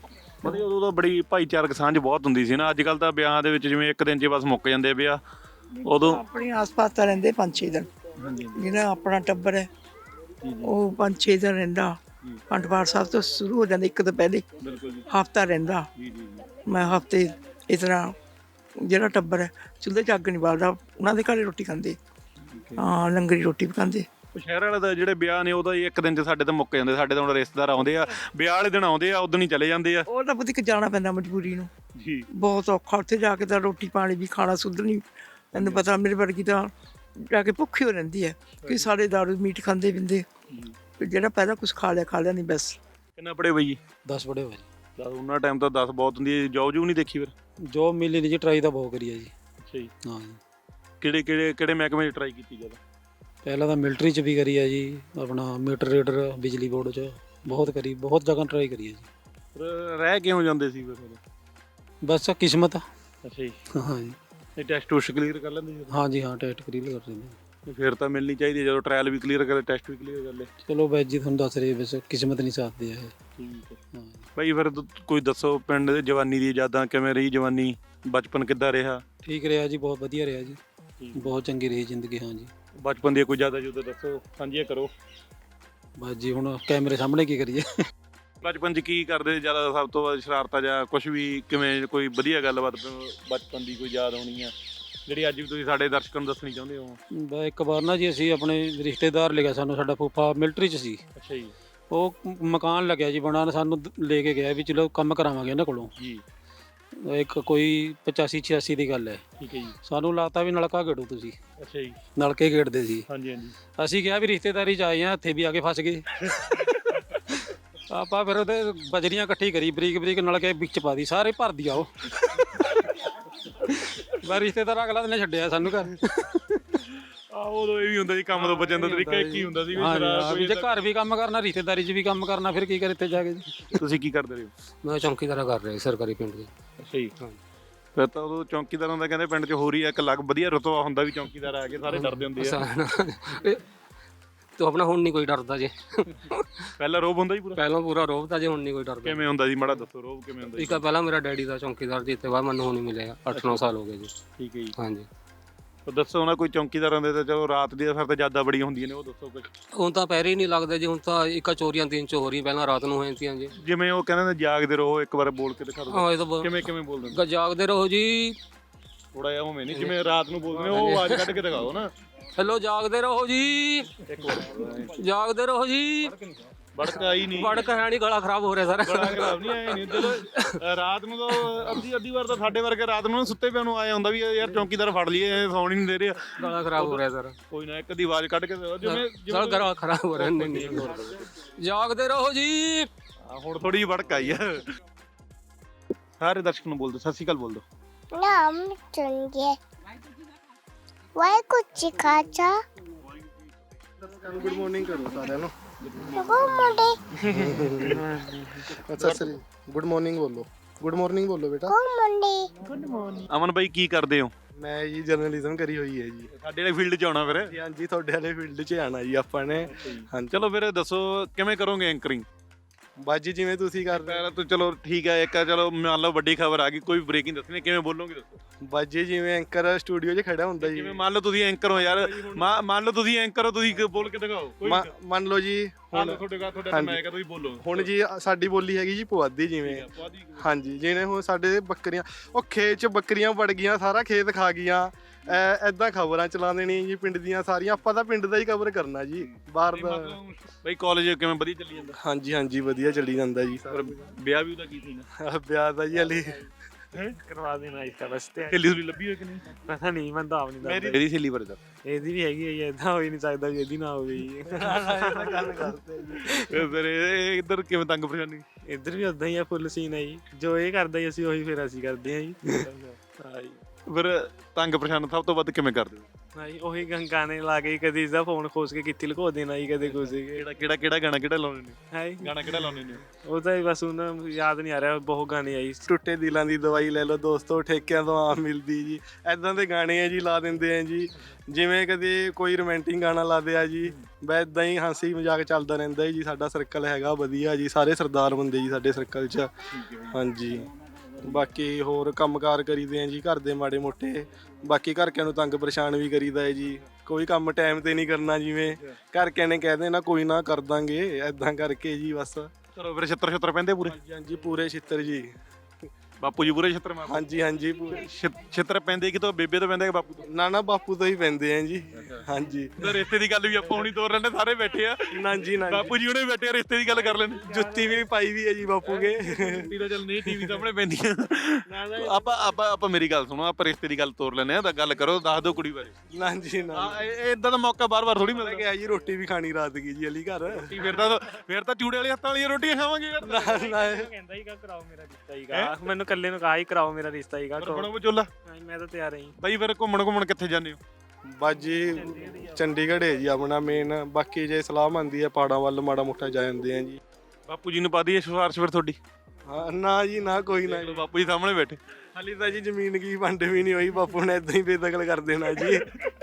Speaker 1: ਮਤਲਬ ਉਦੋਂ ਤਾਂ ਬੜੀ ਭਾਈਚਾਰਕ ਸਾਂਝ ਬਹੁਤ ਹੁੰਦੀ ਸੀ ਨਾ। ਅੱਜ ਕੱਲ ਤਾਂ ਵਿਆਹਾਂ ਦੇ ਵਿੱਚ ਜਿਵੇਂ ਇੱਕ ਦਿਨ 'ਚ ਬਸ ਮੁੱਕ ਜਾਂਦੇ ਆ ਵਿਆਹ, ਉਦੋਂ
Speaker 13: ਆਪਣੇ ਆਸ-ਪਾਸ ਤਾਂ ਰਹਿੰਦੇ 5-6 ਦਿਨ। ਜਿਹੜਾ ਆਪਣਾ ਟੱਬਰ ਹੈ ਉਹ 5-6 ਦਿਨ ਰਹਿੰਦਾ। ਅਖੰਡ ਪਾਠ ਸਾਹਿਬ ਤੋਂ ਸ਼ੁਰੂ ਹੋ ਜਾਂਦਾ ਇੱਕ ਤੋਂ ਪਹਿਲੇ, ਹਫ਼ਤਾ ਰਹਿੰਦਾ। ਮੈਂ ਹਫ਼ਤੇ ਇਸ ਤਰ੍ਹਾਂ ਜਿਹੜਾ ਟੱਬਰ ਹੈ ਚੁੱਲ੍ਹੇ 'ਚ ਅੱਗ ਨਹੀਂ ਬਾਲਦਾ, ਉਹਨਾਂ ਦੇ ਘਰੇ ਰੋਟੀ ਖਾਂਦੇ। ਹਾਂ, ਲੰਗਰੀ ਰੋਟੀ ਵੀ ਖਾਂਦੇ।
Speaker 1: ਸ਼ਹਿਰ ਵਾਲੇ ਦਾ ਜਿਹੜੇ ਵਿਆਹ ਨੇ ਉਹ ਤਾਂ ਇੱਕ ਦਿਨ 'ਚ ਸਾਡੇ ਤਾਂ ਮੁੱਕ ਜਾਂਦੇ। ਸਾਡੇ ਤਾਂ ਹੁਣ ਰਿਸ਼ਤੇਦਾਰ ਆਉਂਦੇ ਆ, ਵਿਆਹ ਵਾਲੇ ਦਿਨ ਆਉਂਦੇ ਆ, ਉਦੋਂ ਹੀ ਚਲੇ ਜਾਂਦੇ ਆ।
Speaker 13: ਉਹ ਤਾਂ ਬੁੱਧੀ ਜਾਣਾ ਪੈਂਦਾ ਮਜਬੂਰੀ ਨੂੰ
Speaker 1: ਜੀ, ਬਹੁਤ
Speaker 13: ਔਖਾ। ਉੱਥੇ ਜਾ ਕੇ ਤਾਂ ਰੋਟੀ ਪਾਣੀ ਵੀ ਖਾਣਾ ਸੁੱਧ ਨਹੀਂ। ਤੈਨੂੰ ਪਤਾ ਮੇਰੇ ਵਰਗੀ ਤਾਂ ਜਾ ਕੇ ਭੁੱਖੀ ਹੋ ਰਹਿੰਦੀ ਹੈ ਕਿ ਸਾਰੇ ਦਾਰੂ ਮੀਟ ਖਾਂਦੇ ਪੀਂਦੇ। ਜਿਹੜਾ ਪਹਿਲਾਂ ਕੁਝ ਖਾ ਲਿਆ ਨਹੀਂ ਬਸ।
Speaker 1: ਕਿੰਨਾ ਪੜੇ ਬਈ ਜੀ?
Speaker 14: 10 ਪੜੇ ਹੋਏ।
Speaker 1: ਉਹਨਾਂ ਟਾਈਮ ਤਾਂ 10 ਬਹੁਤ ਹੁੰਦੀ ਹੈ। ਜੋਬ ਜੂ ਨਹੀਂ ਦੇਖੀ ਫਿਰ?
Speaker 14: ਜੋਬ ਮਿਲੀ ਨਹੀਂ ਜੀ, ਟਰਾਈ ਤਾਂ ਬਹੁਤ ਕਰੀ ਹੈ ਜੀ।
Speaker 1: ਅੱਛਾ ਜੀ।
Speaker 14: ਹਾਂ ਜੀ।
Speaker 1: ਕਿਹੜੇ ਮਹਿਕਮੇ 'ਚ ਟਰਾਈ ਕੀਤੀ ਜ਼ਿਆਦਾ?
Speaker 14: ਪਹਿਲਾਂ ਤਾਂ ਮਿਲਟਰੀ 'ਚ ਵੀ ਕਰੀ ਹੈ ਜੀ, ਆਪਣਾ ਮੀਟਰ ਰੀਡਰ ਬਿਜਲੀ ਬੋਰਡ 'ਚ ਬਹੁਤ ਕਰੀ, ਬਹੁਤ ਜਗ੍ਹਾ ਟਰਾਈ ਕਰੀ ਹੈ ਜੀ।
Speaker 1: ਰਹਿ ਕਿਉਂ ਜਾਂਦੇ ਸੀ ਫਿਰ?
Speaker 14: ਬਸ ਕਿਸਮਤ।
Speaker 1: ਅੱਛਾ ਜੀ।
Speaker 14: ਹਾਂ ਜੀ।
Speaker 1: ਇਹ ਟੈਸਟ ਟੂਸਟ ਕਲੀਅਰ ਕਰ ਲੈਂਦੇ ਸੀ?
Speaker 14: ਹਾਂ ਜੀ, ਹਾਂ ਟੈਸਟ ਕਲੀਅਰ ਕਰ ਲੈਂਦੇ।
Speaker 1: ਫਿਰ ਤਾਂ ਮਿਲਣੀ ਚਾਹੀਦੀ ਹੈ, ਜਦੋਂ ਟ੍ਰਾਇਲ ਵੀ ਕਲੀਅਰ ਕਰੇ, ਟੈਸਟ ਵੀ ਕਲੀਅਰ ਕਰ ਲੈ।
Speaker 14: ਚਲੋ ਬਾਈ ਜੀ, ਤੁਹਾਨੂੰ ਦੱਸ ਰਹੇ ਬਸ ਕਿਸਮਤ ਨਹੀਂ ਸਾਥ ਦੇ ਹੈ।
Speaker 1: ਠੀਕ ਹੈ ਬਾਈ। ਫਿਰ ਕੋਈ ਦੱਸੋ ਪਿੰਡ ਦੇ ਜਵਾਨੀ ਦੀ ਯਾਦਾਂ, ਕਿਵੇਂ ਰਹੀ ਜਵਾਨੀ, ਬਚਪਨ ਕਿੱਦਾਂ ਰਿਹਾ?
Speaker 14: ਠੀਕ ਰਿਹਾ ਜੀ, ਬਹੁਤ ਵਧੀਆ ਰਿਹਾ ਜੀ, ਬਹੁਤ ਚੰਗੀ ਰਹੀ ਜ਼ਿੰਦਗੀ। ਹਾਂ ਜੀ।
Speaker 1: ਬਚਪਨ ਦੀ ਕੋਈ ਯਾਦਾਂ ਜੁਦਾਂ ਦੱਸੋ, ਸਾਂਝੀਆਂ ਕਰੋ।
Speaker 14: ਬਸ ਜੀ, ਹੁਣ ਕੈਮਰੇ ਸਾਹਮਣੇ ਕੀ ਕਰੀਏ।
Speaker 1: ਬਚਪਨ 'ਚ ਕੀ ਕਰਦੇ ਜ਼ਿਆਦਾ, ਸਭ ਤੋਂ ਵੱਧ ਸ਼ਰਾਰਤਾਂ ਜਾਂ ਕੁਝ ਵੀ, ਕਿਵੇਂ ਕੋਈ ਵਧੀਆ ਗੱਲਬਾਤ ਬਚਪਨ ਦੀ ਕੋਈ ਯਾਦ ਹੋਣੀ ਆ ਜਿਹੜੀ ਅੱਜ ਵੀ ਤੁਸੀਂ ਸਾਡੇ ਦਰਸ਼ਕਾਂ ਨੂੰ ਦੱਸਣੀ ਚਾਹੁੰਦੇ ਹੋ?
Speaker 14: ਬਸ ਇੱਕ ਵਾਰ ਨਾ ਜੀ, ਅਸੀਂ ਆਪਣੇ ਰਿਸ਼ਤੇਦਾਰ ਲਿਆ ਸਾਨੂੰ, ਸਾਡਾ ਫੁੱਫਾ ਮਿਲਟਰੀ 'ਚ ਸੀ।
Speaker 1: ਅੱਛਾ ਜੀ।
Speaker 14: ਉਹ ਮਕਾਨ ਲੱਗਿਆ ਜੀ ਬਣਾਉਣ, ਸਾਨੂੰ ਲੈ ਕੇ ਗਿਆ ਵੀ ਚਲੋ ਕੰਮ ਕਰਾਵਾਂਗੇ ਇਹਨਾਂ ਕੋਲੋਂ
Speaker 1: ਜੀ।
Speaker 14: ਇੱਕ ਕੋਈ 85-86 ਦੀ ਗੱਲ ਹੈ।
Speaker 1: ਠੀਕ ਹੈ ਜੀ।
Speaker 14: ਸਾਨੂੰ ਲੱਗਦਾ ਵੀ ਨਲਕਾ ਗੇੜੋ ਤੁਸੀਂ।
Speaker 1: ਅੱਛਾ ਜੀ।
Speaker 14: ਨਲਕੇ ਗੇੜਦੇ ਸੀ।
Speaker 1: ਹਾਂਜੀ ਹਾਂਜੀ।
Speaker 14: ਅਸੀਂ ਕਿਹਾ ਵੀ ਰਿਸ਼ਤੇਦਾਰੀ 'ਚ ਆਏ ਆ, ਇੱਥੇ ਵੀ ਆ ਕੇ ਫਸ ਗਏ। ਆਪਾਂ ਫਿਰ ਉਹਦੇ ਬਜਰੀਆਂ ਇਕੱਠੀ ਕਰੀ, ਬਰੀਕ ਬਰੀਕ ਨਲਕੇ ਵਿੱਚ ਪਾ ਦੀ, ਸਾਰੇ ਭਰ ਦਿਆ ਉਹ। ਮੈਂ ਰਿਸ਼ਤੇਦਾਰ ਅਗਲਾ ਦਿਨ ਛੱਡਿਆ ਸਾਨੂੰ ਘਰ।
Speaker 1: ਉਦੋਂ ਇਹ ਵੀ ਹੁੰਦਾ ਜੀ, ਕੰਮ ਤੋਂ ਬਚਣ ਦਾ ਤਰੀਕਾ ਇੱਕ ਹੀ ਹੁੰਦਾ ਸੀ ਵੀ
Speaker 14: ਜੇ ਘਰ ਵੀ ਕੰਮ ਕਰਨਾ, ਰਿਸ਼ਤੇਦਾਰੀ 'ਚ ਵੀ ਕੰਮ ਕਰਨਾ, ਫਿਰ ਕੀ ਕਰ ਇੱਥੇ ਜਾ ਕੇ ਜੀ।
Speaker 1: ਤੁਸੀਂ ਕੀ ਕਰਦੇ ਰਹੇ ਹੋ?
Speaker 14: ਮੈਂ ਚੌਂਕੀਦਾਰਾ ਕਰ ਰਿਹਾ ਸਰਕਾਰੀ ਪਿੰਡ ਦੇ।
Speaker 1: ਅੱਛਾ ਜੀ। ਫਿਰ ਤਾਂ ਉਦੋਂ ਚੌਂਕੀਦਾਰਾਂ ਦਾ ਕਹਿੰਦੇ ਪਿੰਡ 'ਚ ਹੋਰ ਹੀ ਇੱਕ ਅਲੱਗ ਵਧੀਆ ਰੁਤਬਾ ਹੁੰਦਾ ਵੀ ਚੌਂਕੀਦਾਰ ਆ ਕੇ ਸਾਰੇ ਡਰਦੇ ਹੁੰਦੇ ਆ।
Speaker 14: ਤੋ ਆਪਣਾ ਹੁਣ ਨਹੀਂ ਕੋਈ ਡਰਦਾ ਜੇ।
Speaker 1: ਪਹਿਲਾਂ ਰੋਬ ਹੁੰਦਾ ਜੀ ਪੂਰਾ?
Speaker 14: ਪਹਿਲਾਂ ਪੂਰਾ ਰੋਬ ਤਾਂ ਜੇ, ਹੁਣ ਨਹੀਂ ਕੋਈ ਡਰਦਾ।
Speaker 1: ਕਿਵੇਂ ਹੁੰਦਾ ਜੀ, ਮਾੜਾ ਦੱਸੋ ਰੋਬ ਕਿਵੇਂ ਹੁੰਦਾ?
Speaker 14: ਇੱਕ ਪਹਿਲਾਂ ਮੇਰਾ ਡੈਡੀ ਦਾ ਚੌਂਕੀਦਾਰ ਜੀ, ਇੱਥੇ ਬਾਅਦ ਮੈਨੂੰ ਹੁਣ ਹੀ ਮਿਲਿਆ, 8-9 ਸਾਲ ਹੋ ਗਏ ਜੀ।
Speaker 1: ਠੀਕ ਹੈ ਜੀ।
Speaker 14: ਹਾਂਜੀ।
Speaker 1: ਦੱਸੋ ਨਾ ਕੋਈ ਚੌਂਕੀਦਾਰਾਂ ਦੇ ਤਾਂ ਚਲੋ ਰਾਤ ਦੀ ਫਿਰ ਤਾਂ ਜ਼ਿਆਦਾ ਬੜੀਆਂ ਹੁੰਦੀਆਂ ਨੇ, ਉਹ ਦੱਸੋ ਕੁਝ।
Speaker 14: ਹੁਣ ਤਾਂ ਪੈਰੇ ਹੀ ਨਹੀਂ ਲੱਗਦੇ ਜੀ, ਹੁਣ ਤਾਂ ਇੱਕ ਚੋਰੀਆਂ 3 ਚੋਰੀਆਂ ਪਹਿਲਾਂ ਰਾਤ ਨੂੰ ਹੋ ਜਾਂਦੀਆਂ ਜੀ।
Speaker 1: ਜਿਵੇਂ ਉਹ ਕਹਿੰਦੇ ਨੇ ਜਾਗਦੇ ਰਹੋ, ਇੱਕ ਵਾਰ ਬੋਲ ਕੇ ਦਿਖਾ ਦਿਓ।
Speaker 14: ਹਾਂ, ਇਹ ਤਾਂ
Speaker 1: ਕਿਵੇਂ ਕਿਵੇਂ ਬੋਲਦੇ ਨੇ?
Speaker 14: ਜਾਗਦੇ ਰਹੋ ਜੀ।
Speaker 1: ਥੋੜਾ ਜਿਹਾ ਉਵੇਂ ਨਹੀਂ, ਜਿਵੇਂ ਰਾਤ ਨੂੰ ਬੋਲਦੇ ਨੇ ਉਹ ਆਵਾਜ਼ ਕੱਢ ਕੇ ਦਿਖਾਓ ਨਾ।
Speaker 14: ਹੈਲੋ, ਜਾਗਦੇ ਰਹੋ ਜੀ, ਜਾਗਦੇ ਰਹੋ ਜੀ।
Speaker 1: ਬੜਕ ਆਈ ਨਹੀਂ,
Speaker 14: ਬੜਕ ਹੈ ਨਹੀਂ, ਗਲਾ ਖਰਾਬ ਹੋ ਰਿਹਾ ਸਰ।
Speaker 1: ਗਲਾ ਖਰਾਬ ਨਹੀਂ ਆਇਆ ਨਹੀਂ। ਜਦੋਂ ਰਾਤ ਨੂੰ ਤਾਂ ਅੱਧੀ ਵਾਰ ਤਾਂ ਸਾਡੇ ਵਰਗੇ ਰਾਤ ਨੂੰ ਸੁੱਤੇ ਪਿਆ ਨੂੰ ਆਇਆ ਹੁੰਦਾ ਵੀ ਯਾਰ ਚੌਂਕੀਦਾਰ ਫੜ ਲਈਏ, ਸੌਣ ਹੀ ਨਹੀਂ ਦੇ ਰਿਹਾ।
Speaker 14: ਗਲਾ ਖਰਾਬ ਹੋ ਰਿਹਾ ਸਰ।
Speaker 1: ਕੋਈ ਨਾ, ਇੱਕ ਅੱਧੀ ਆਵਾਜ਼ ਕੱਢ ਕੇ
Speaker 14: ਜਿਵੇਂ ਗਲਾ ਖਰਾਬ ਹੋ ਰਿਹਾ। ਨਹੀਂ, ਜਾਗਦੇ ਰਹੋ ਜੀ।
Speaker 1: ਹੁਣ ਥੋੜੀ ਜਿਹੀ ਬੜਕ ਆਈ ਆ। ਸਾਰੇ ਦਰਸ਼ਕ ਨੂੰ ਬੋਲ ਦਿਓ, ਸਤਿ ਸ਼੍ਰੀ ਅਕਾਲ ਬੋਲ ਦਿਓ।
Speaker 7: ਨਾਮ ਚੁਣਗੇ ਵਾਹਿਗੁਰੂ ਜੀ ਕਾ ਖਾਲਸਾ।
Speaker 4: ਗੁੱਡ ਮਾਰਨਿੰਗ ਕਰੋ ਸਾਰਿਆਂ ਨੂੰ। ਅੱਛਾ ਸਰ, ਗੁੱਡ ਮਾਰਨਿੰਗ ਬੋਲੋ। ਗੁੱਡ ਮਾਰਨਿੰਗ ਬੋਲੋ ਬੇਟਾ।
Speaker 7: Good morning.
Speaker 1: ਅਮਨ ਬਾਈ ਕੀ ਕਰਦੇ ਹੋ?
Speaker 4: ਮੈਂ ਜੀ ਜਰਨਲਿਜ਼ਮ ਕਰੀ ਹੋਈ ਹੈ ਜੀ।
Speaker 1: ਸਾਡੇ ਵਾਲੇ ਫੀਲਡ 'ਚ ਆਉਣਾ ਫਿਰ?
Speaker 4: ਹਾਂਜੀ, ਤੁਹਾਡੇ ਵਾਲੇ ਫੀਲਡ 'ਚ ਆਣਾ ਜੀ ਆਪਾਂ ਨੇ। ਹਾਂਜੀ,
Speaker 1: ਚਲੋ ਫਿਰ ਦੱਸੋ ਕਿਵੇਂ ਕਰੋਗੇ ਐਂਕਰਿੰਗ?
Speaker 4: ਬਾਜੀ ਜਿਵੇਂ ਤੁਸੀਂ ਕਰ ਰਹੇ
Speaker 1: ਤਾਂ ਚਲੋ ਠੀਕ ਹੈ। ਇੱਕ ਚਲੋ ਮੰਨ ਲਓ ਵੱਡੀ ਖਬਰ ਆ ਗਈ, ਕੋਈ ਬ੍ਰੇਕਿੰਗ ਦੱਸਣੀ, ਕਿਵੇਂ ਬੋਲੋਗੇ ਦੱਸੋ?
Speaker 4: ਬਾਜੀ ਜਿਵੇਂ ਐਂਕਰ ਸਟੂਡੀਓ 'ਚ ਖੜਾ ਹੁੰਦਾ ਜੀ।
Speaker 1: ਜਿਵੇਂ ਮੰਨ ਲਓ ਤੁਸੀਂ ਐਂਕਰ ਹੋ ਯਾਰ, ਮੰਨ ਲਓ ਤੁਸੀਂ ਐਂਕਰ ਹੋ, ਤੁਸੀਂ ਬੋਲ ਕੇ ਦਿਖਾਓ।
Speaker 4: ਮੰਨ ਲਓ ਜੀ
Speaker 1: ਹੁਣ ਤੁਹਾਡੇ ਮੈਂ ਕਹਾਂ ਤੁਸੀਂ ਬੋਲੋ।
Speaker 4: ਹੁਣ ਜੀ ਸਾਡੀ ਬੋਲੀ ਹੈਗੀ ਜੀ ਪੁਆਧੀ। ਜਿਵੇਂ ਹਾਂਜੀ, ਜਿਵੇਂ ਹੁਣ ਸਾਡੇ ਬੱਕਰੀਆਂ, ਉਹ ਖੇਤ 'ਚ ਬੱਕਰੀਆਂ ਵੜ ਗਈਆਂ, ਸਾਰਾ ਖੇਤ ਖਾ ਗਈਆਂ, ਐਦਾਂ ਖਬਰਾਂ ਚਲਾ ਦੇਣੀਆਂ ਜੀ ਪਿੰਡ ਦੀਆਂ ਸਾਰੀਆਂ। ਆਪਾਂ ਤਾਂ ਪਿੰਡ ਦਾ ਹੀ ਕਵਰ ਕਰਨਾ ਜੀ, ਬਾਹਰ ਦਾ।
Speaker 1: ਬਈ ਕਾਲਜ ਕਿਵੇਂ ਵਧੀਆ ਚੱਲੀ ਜਾਂਦਾ?
Speaker 4: ਹਾਂਜੀ ਹਾਂਜੀ, ਵਧੀਆ ਚੱਲੀ ਜਾਂਦਾ ਜੀ।
Speaker 1: ਵਿਆਹ ਵੀ ਉਹਦਾ ਕੀ ਸੀ ਨਾ?
Speaker 4: ਵਿਆਹ ਦਾ ਜੀ ਹਲੇ
Speaker 8: ਕਰਵਾ ਦੇਣਾ ਇਸ ਵਾਸਤੇ।
Speaker 1: ਸਹੇਲੀ ਸੁਲੀ ਲੱਭੀ ਹੋਈ ਕਿ ਨਹੀਂ?
Speaker 8: ਪਤਾ ਨਹੀਂ, ਮੈਂ ਤਾਂ ਆਪ ਨਹੀਂ ਦੱਸਦਾ।
Speaker 1: ਮੇਰੀ ਸਹੇਲੀ ਬਾਰੇ ਦੱਸ।
Speaker 8: ਇਹਦੀ ਵੀ ਹੈਗੀ ਹੈ, ਏਦਾਂ ਹੋ ਹੀ ਨਹੀਂ ਸਕਦਾ ਵੀ ਇਹਦੀ ਨਾ ਹੋਵੇ ਜੀ।
Speaker 4: ਗੱਲ ਕਰਦੇ ਜੀ।
Speaker 1: ਫਿਰ ਇਹ ਇੱਧਰ ਕਿਵੇਂ ਤੰਗ ਪਰੇਸ਼ਾਨੀ?
Speaker 8: ਇੱਧਰ ਵੀ ਉਦਾਂ ਹੀ ਆ, ਫੁੱਲ ਸੀਨ ਹੈ ਜੀ। ਜੋ ਇਹ ਕਰਦਾ ਜੀ ਅਸੀਂ ਉਹੀ ਫਿਰ ਅਸੀਂ ਕਰਦੇ ਹਾਂ ਜੀ।
Speaker 1: ਫਿਰ ਤੰਗ ਪਰੇਸ਼ਾਨ ਸਭ ਤੋਂ ਵੱਧ ਕਿਵੇਂ ਕਰਦੇ ਹੋ?
Speaker 4: ਹਾਂਜੀ ਉਹੀ ਗਾਣੇ ਲਾ ਕੇ ਕਦੀ ਇਸਦਾ ਫੋਨ ਖੋਸ ਕੇ ਕਿੱਥੇ ਲੁਕੋ ਦੇਣਾ ਜੀ, ਕਦੇ ਕੁਝ
Speaker 1: ਕਿਹੜਾ ਗਾਣਾ ਕਿਹੜਾ ਲਾਉਂਦੇ ਨੇ?
Speaker 4: ਹੈ
Speaker 1: ਗਾਣਾ ਕਿਹੜਾ ਲਾਉਂਦੇ ਨੇ?
Speaker 4: ਉਹ ਤਾਂ ਬਸ ਉਹਨਾਂ ਨੂੰ ਯਾਦ ਨਹੀਂ ਆ ਰਿਹਾ, ਬਹੁਤ ਗਾਣੇ ਆਈ ਟੁੱਟੇ ਦਿਲਾਂ ਦੀ ਦਵਾਈ ਲੈ ਲਓ ਦੋਸਤੋ, ਠੇਕਿਆਂ ਤੋਂ ਆਮ ਮਿਲਦੀ ਜੀ, ਐਦਾਂ ਦੇ ਗਾਣੇ ਆ ਜੀ ਲਾ ਦਿੰਦੇ ਆ ਜੀ। ਜਿਵੇਂ ਕਦੇ ਕੋਈ ਰੋਮਾਂਟਿਕ ਗਾਣਾ ਲਾਦੇ ਆ ਜੀ, ਬਸ ਇੱਦਾਂ ਹੀ ਹਾਸੀ ਮਜ਼ਾਕ ਚੱਲਦਾ ਰਹਿੰਦਾ ਜੀ। ਸਾਡਾ ਸਰਕਲ ਹੈਗਾ ਵਧੀਆ ਜੀ, ਸਾਰੇ ਸਰਦਾਰ ਬੰਦੇ ਜੀ ਸਾਡੇ ਸਰਕਲ 'ਚ। ਹਾਂਜੀ ਬਾਕੀ ਹੋਰ ਕੰਮਕਾਰ ਕਰੀਦੇ ਆ ਜੀ ਘਰ ਦੇ ਮਾੜੇ ਮੋਟੇ, ਬਾਕੀ ਘਰਕਿਆਂ ਨੂੰ ਤੰਗ ਪਰੇਸ਼ਾਨ ਵੀ ਕਰੀਦਾ ਹੈ ਜੀ। ਕੋਈ ਕੰਮ ਟਾਈਮ ਤੇ ਨਹੀਂ ਕਰਨਾ, ਜਿਵੇਂ ਘਰਕਿਆਂ ਨੇ ਕਹਿ ਦੇਣਾ ਕੋਈ ਨਾ ਕਰ ਦਾਂਗੇ, ਐਦਾਂ ਕਰਕੇ ਜੀ ਬਸ।
Speaker 1: ਚਲੋ ਫਿਰ ਛਿੱਤਰ ਪੈਂਦੇ ਪੂਰੇ?
Speaker 4: ਹਾਂਜੀ ਪੂਰੇ ਛਿੱਤਰ ਜੀ।
Speaker 1: ਬਾਪੂ ਜੀ ਪੂਰੇ ਛਿੱਤਰ ਮਾਰਦੇ?
Speaker 4: ਹਾਂਜੀ ਹਾਂਜੀ ਪੂਰੇ
Speaker 1: ਛਿੱਤਰ ਪੈਂਦੇ ਕਿਤੋਂ ਬੇਬੇ ਤੋਂ ਪੈਂਦੇ ਕਿ ਬਾਪੂ ਤੋਂ?
Speaker 4: ਨਾ ਬਾਪੂ ਤੋਂ ਹੀ ਪੈਂਦੇ ਆ ਜੀ। ਹਾਂਜੀ
Speaker 1: ਰਿਸ਼ਤੇ ਦੀ ਗੱਲ ਵੀ ਆਪਾਂ ਹੁਣੀ ਤੋਰ ਲੈਣੇ, ਸਾਰੇ ਬੈਠੇ ਆ।
Speaker 4: ਨਾ ਜੀ ਨਾ
Speaker 1: ਬਾਪੂ ਜੀ ਹੁਣੇ ਬੈਠੇ ਆ, ਰਿਸ਼ਤੇ ਦੀ ਗੱਲ ਕਰ ਲੈਣੇ।
Speaker 4: ਜੁੱਤੀ ਵੀ ਪਾਈ ਵੀ ਹੈ ਜੀ ਬਾਪੂ ਕੇ।
Speaker 1: ਜੁੱਤੀ ਤਾਂ ਚੱਲ ਨਹੀਂ ਟੀਵੀ ਸਾਹਮਣੇ ਪੈਂਦੀਆਂ। ਆਪਾਂ ਮੇਰੀ ਗੱਲ ਸੁਣੋ, ਆਪਾਂ ਰਿਸ਼ਤੇ ਦੀ ਗੱਲ ਤੋਰ ਲੈਣੇ ਆ, ਤਾਂ ਗੱਲ ਕਰੋ, ਦੱਸ ਦਿਓ ਕੁੜੀ ਬਾਰੇ।
Speaker 4: ਨਾ ਜੀ ਨਾ
Speaker 1: ਇਦਾਂ ਦਾ ਮੌਕਾ ਬਾਰ-ਬਾਰ ਥੋੜੀ ਮਿਲਦਾ।
Speaker 4: ਗਿਆ ਜੀ ਰੋਟੀ ਵੀ ਖਾਣੀ ਰਾਤ ਕੀ ਜੀ ਅਲੀ ਘਰ।
Speaker 1: ਫਿਰ ਤਾਂ ਚੂੜੇ ਵਾਲੇ ਹੱਥਾਂ ਵਾਲੀਆਂ ਰੋਟੀਆਂ ਖਾਵਾਂਗੇ ਯਾਰ।
Speaker 4: ਕਹਿੰਦਾ ਹੀਗਾ ਕਰਾਓ ਮੇਰਾ ਰਿਸ਼ਤਾ ਹੀਗਾ, ਮੈਨੂੰ ਇਕੱਲੇ ਨੂੰ ਕਹਾ ਹੀ ਕਰਾਓ ਮੇਰਾ ਰਿਸ਼ਤਾ ਹੀਗਾ।
Speaker 1: ਬਣੋ ਵਿਚੋਲਾ?
Speaker 4: ਮੈਂ ਤਾਂ ਤਿਆਰ ਹਾਂ ਜੀ।
Speaker 1: ਬਾਈ ਫਿਰ ਘੁੰਮਣ ਕਿੱਥੇ ਜਾਂਦੇ ਹੋ?
Speaker 4: ਬਸ ਜੀ ਚੰਡੀਗੜ੍ਹ ਹੈ ਜੀ ਆਪਣਾ ਮੇਨ, ਬਾਕੀ ਜੇ ਸਲਾਹ ਬਣਦੀ ਹੈ ਪਹਾੜਾਂ ਵੱਲ ਮਾੜਾ ਮੋਟਾ ਜਾ ਜਾਂਦੇ ਆ ਜੀ।
Speaker 1: ਬਾਪੂ ਜੀ ਨੂੰ ਪਾ ਦਈਏ ਸਿਫਾਰਿਸ਼ ਫਿਰ ਤੁਹਾਡੀ?
Speaker 4: ਹਾਂ ਨਾ ਜੀ ਨਾ ਕੋਈ ਨਾ,
Speaker 1: ਬਾਪੂ ਜੀ ਸਾਹਮਣੇ ਬੈਠੇ।
Speaker 4: ਹਾਲੀ ਤਾਂ ਜੀ ਜ਼ਮੀਨ ਕੀ ਵੰਡ ਵੀ ਨਹੀਂ ਹੋਈ, ਬਾਪੂ ਨੇ ਇਦਾਂ ਹੀ ਬੇਦਖਲ ਕਰ ਦੇਣਾ ਜੀ।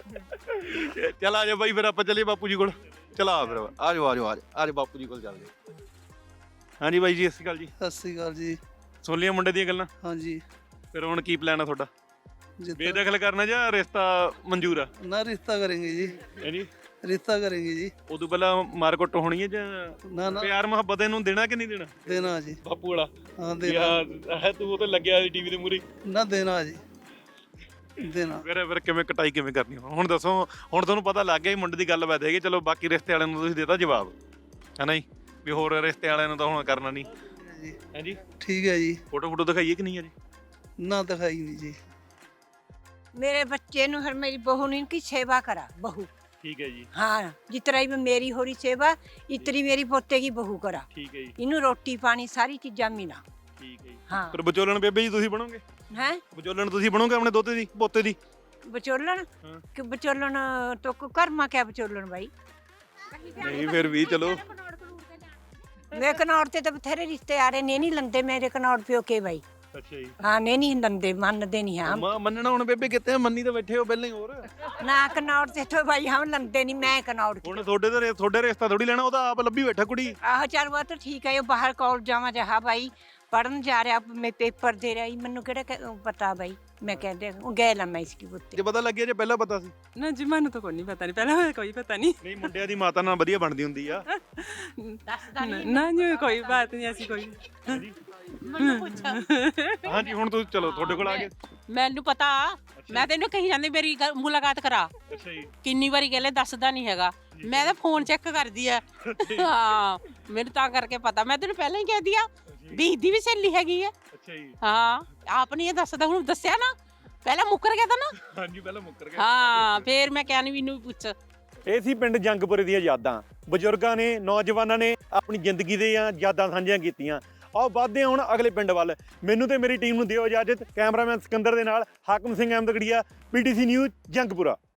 Speaker 1: ਚੱਲ ਆ ਜਾ ਬਾਈ, ਫਿਰ ਆਪਾਂ ਚੱਲੀਏ ਬਾਪੂ ਜੀ ਕੋਲ। ਚਲਾ ਫਿਰ ਆ ਜਾਓ ਬਾਪੂ ਜੀ ਕੋਲ ਚੱਲਦੇ। ਹਾਂਜੀ ਬਾਈ ਜੀ, ਸਤਿ ਸ਼੍ਰੀ ਅਕਾਲ ਜੀ।
Speaker 13: ਸਤਿ ਸ਼੍ਰੀ ਅਕਾਲ ਜੀ।
Speaker 1: ਸੋਲੀਆਂ ਮੁੰਡੇ ਦੀਆਂ ਗੱਲਾਂ?
Speaker 13: ਹਾਂਜੀ।
Speaker 1: ਫਿਰ ਹੁਣ ਕੀ ਪਲਾਨ ਆ ਤੁਹਾਡਾ? ਬੇਦਖਲ ਕਰਨਾ ਜਾਂ ਰਿਸ਼ਤਾ ਮਨਜ਼ੂਰ ਆ?
Speaker 13: ਨਾ ਰਿਸ਼ਤਾ ਕਰਾਂਗੇ ਜੀ।
Speaker 1: ਜੀ
Speaker 13: ਰਿਸ਼ਤਾ ਕਰਾਂਗੇ ਜੀ।
Speaker 1: ਉਦੋਂ ਪਹਿਲਾਂ ਮਾਰਕੁੱਟ ਹੋਣੀ ਹੈ ਜਾਂ
Speaker 13: ਨਾ
Speaker 1: ਪਿਆਰ ਮੁਹੱਬਤ ਇਹਨੂੰ ਦੇਣਾ ਕਿ ਨਹੀਂ ਦੇਣਾ?
Speaker 13: ਦੇਣਾ ਜੀ।
Speaker 1: ਬਾਪੂ ਵਾਲਾ?
Speaker 13: ਹਾਂ ਦੇਣਾ।
Speaker 1: ਤੂੰ ਉਹ ਤੇ ਲੱਗਿਆ ਟੀਵੀ ਦੇ ਮੂਹਰੇ।
Speaker 13: ਨਾ ਦੇਣਾ ਜੀ, ਦੇਣਾ।
Speaker 1: ਫਿਰ ਕਿਵੇਂ ਕਟਾਈ ਕਿਵੇਂ ਕਰਨੀ ਹੁਣ ਦੱਸੋ? ਹੁਣ ਤੁਹਾਨੂੰ ਪਤਾ ਲੱਗ ਗਿਆ ਮੁੰਡੇ ਦੀ ਗੱਲ ਬਾਤ ਹੈਗੀ। ਚਲੋ ਬਾਕੀ ਰਿਸ਼ਤੇ ਵਾਲਿਆਂ ਨੂੰ ਤੁਸੀਂ ਦੇਤਾ ਜਵਾਬ, ਹੈ ਨਾ ਜੀ, ਵੀ ਹੋਰ ਰਿਸ਼ਤੇ ਵਾਲਿਆਂ ਨੂੰ ਤਾਂ ਹੁਣ ਕਰਨਾ ਨਹੀਂ ਹੈ ਜੀ।
Speaker 13: ਠੀਕ ਹੈ ਜੀ।
Speaker 1: ਫੋਟੋ ਦਿਖਾਈਏ ਕਿ ਨਹੀਂ ਅਜੇ?
Speaker 13: ਨਾ ਦਿਖਾਈ ਨਹੀਂ ਜੀ।
Speaker 12: मेरे बच्चे नु हर मेरी बहू ने इनकी सेवा करा, बहू।
Speaker 1: ठीक है जी।
Speaker 12: हाँ जितना ही मेरी हो रही सेवा इतनी मेरी पोते की बहू करा।
Speaker 1: ठीक है जी।
Speaker 12: इन्हू रोटी पानी सारी चीजा मिला।
Speaker 1: ठीक है जी।
Speaker 12: हाँ
Speaker 1: पर विचोलन बेबे जी तुसी बनोगे?
Speaker 12: हैं
Speaker 1: विचोलन तुसी बनोगे अपने दोते दी पोते दी?
Speaker 12: विचोलन कि विचोलन तो कर्मा क्या विचोलन भाई?
Speaker 1: नहीं फिर भी चलो
Speaker 12: मैं कनौर ते तो बथेरे रिश्ते आ रहे ने नहीं लंदे मेरे कनौर प्यो के भाई।
Speaker 1: ਅੱਛਾ ਜੀ।
Speaker 12: ਹਾਂ ਨੇ ਨਹੀਂ ਲੰਦੇ ਮੰਨਦੇ ਨਹੀਂ ਹਾਂ
Speaker 1: ਮੰਨਣਾ ਹੁਣ ਬੇਬੇ ਕਿਤੇ ਮੰਨੀ ਤਾਂ ਬੈਠੇ ਹੋ ਪਹਿਲਾਂ ਹੀ। ਹੋਰ
Speaker 12: ਨਾ ਕਨੌਰ ਤੇ ਤੋਂ ਭਾਈ ਹਮ ਲੰਦੇ ਨਹੀਂ ਮੈਂ ਕਨੌਰ
Speaker 1: ਹੁਣ ਤੁਹਾਡੇ ਰਿਸ਼ਤਾ ਥੋੜੀ ਲੈਣਾ, ਉਹ ਤਾਂ ਆਪ ਲੱਭੀ ਬੈਠਾ ਕੁੜੀ।
Speaker 12: ਆਹ ਚੱਲ ਉਹ ਤਾਂ ਠੀਕ ਹੈ, ਉਹ ਬਾਹਰ ਕਾਲਜ ਜਾਵਾਂ ਜਹਾ ਭਾਈ ਪੜਨ ਜਾ ਰਿਹਾ, ਮੈਂ ਪੇਪਰ ਦੇ ਰਿਹਾ, ਮੈਨੂੰ ਕਿਹੜਾ ਪਤਾ ਭਾਈ। ਮੈਂ ਕਹਿੰਦੇ ਉਹ ਗਏ ਲਾ ਮੈਂ ਇਸकी ਪੁੱਤੇ
Speaker 1: ਜੇ ਪਤਾ ਲੱਗਿਆ ਜੇ ਪਹਿਲਾਂ ਪਤਾ ਸੀ?
Speaker 5: ਨਾ ਜੀ ਮੈਨੂੰ ਤਾਂ ਕੋਈ ਨਹੀਂ ਪਤਾ, ਨਹੀਂ ਪਹਿਲਾਂ ਕੋਈ ਪਤਾ ਨਹੀਂ।
Speaker 1: ਨਹੀਂ ਮੁੰਡਿਆਂ ਦੀ ਮਾਤਾ ਨਾਲ ਵਧੀਆ ਬਣਦੀ ਹੁੰਦੀ ਆ।
Speaker 5: ਨਾ ਜੀ ਕੋਈ ਬਾਤ ਨਹੀਂ ਐਸੀ ਕੋਈ।
Speaker 1: ਹਾਂਜੀ ਹੁਣ ਤੁਸੀਂ ਚਲੋ ਤੁਹਾਡੇ ਕੋਲ ਆ ਗਏ।
Speaker 5: ਮੈਨੂੰ ਪਤਾ, ਮੈਂ ਤੈਨੂੰ ਕਹੀ ਜਾਂਦੀ ਮੇਰੀ ਮੁਲਾਕਾਤ ਕਰਾ।
Speaker 1: ਅੱਛਾ ਜੀ।
Speaker 5: ਕਿੰਨੀ ਵਾਰੀ ਕਹਿੰਦੇ ਦੱਸਦਾ ਨਹੀਂ ਹੈਗਾ, ਮੈਂ ਤਾਂ ਫੋਨ ਚੈੱਕ ਕਰਦੀ ਆ। ਹਾਂ ਮੈਨੂੰ ਤਾਂ ਕਰਕੇ ਪਤਾ, ਮੈਂ ਤੈਨੂੰ ਪਹਿਲਾਂ ਹੀ ਕਹਿ ਦਿਆ ਵੀ ਦੀ ਵੀ ਸਹੇਲੀ ਹੈਗੀ ਆ।
Speaker 1: ਅੱਛਾ ਜੀ।
Speaker 5: ਹਾਂ ਆਪ ਨਹੀਂ ਇਹ ਦੱਸਦਾ, ਹੁਣ ਦੱਸਿਆ ਨਾ, ਪਹਿਲਾਂ ਮੁੱਕਰ ਗਿਆ ਤਾਂ ਨਾ।
Speaker 1: ਹਾਂਜੀ ਪਹਿਲਾਂ ਮੁੱਕਰ ਗਿਆ।
Speaker 5: ਹਾਂ ਫੇਰ ਮੈਂ ਕਹਿ ਨਹੀਂ ਵੀ ਇਹਨੂੰ ਪੁੱਛ।
Speaker 1: ਇਹ ਸੀ ਪਿੰਡ ਜੰਗਪੁਰੇ ਦੀਆਂ ਯਾਦਾਂ। ਬਜ਼ੁਰਗਾਂ ਨੇ, ਨੌਜਵਾਨਾਂ ਨੇ ਆਪਣੀ ਜ਼ਿੰਦਗੀ ਦੀਆਂ ਯਾਦਾਂ ਸਾਂਝੀਆਂ ਕੀਤੀਆਂ। ਆਓ ਵੱਧਦੇ ਹਾਂ ਹੁਣ ਅਗਲੇ ਪਿੰਡ ਵੱਲ। ਮੈਨੂੰ ਤੇ ਮੇਰੀ ਟੀਮ ਨੂੰ ਦਿਓ ਇਜਾਜ਼ਤ। ਕੈਮਰਾਮੈਨ ਸਿਕੰਦਰ ਦੇ ਨਾਲ ਹਾਕਮ ਸਿੰਘ ਅਹਿਮਦਗੜੀਆ, PTC ਨਿਊਜ਼ ਜੰਗਪੁਰਾ।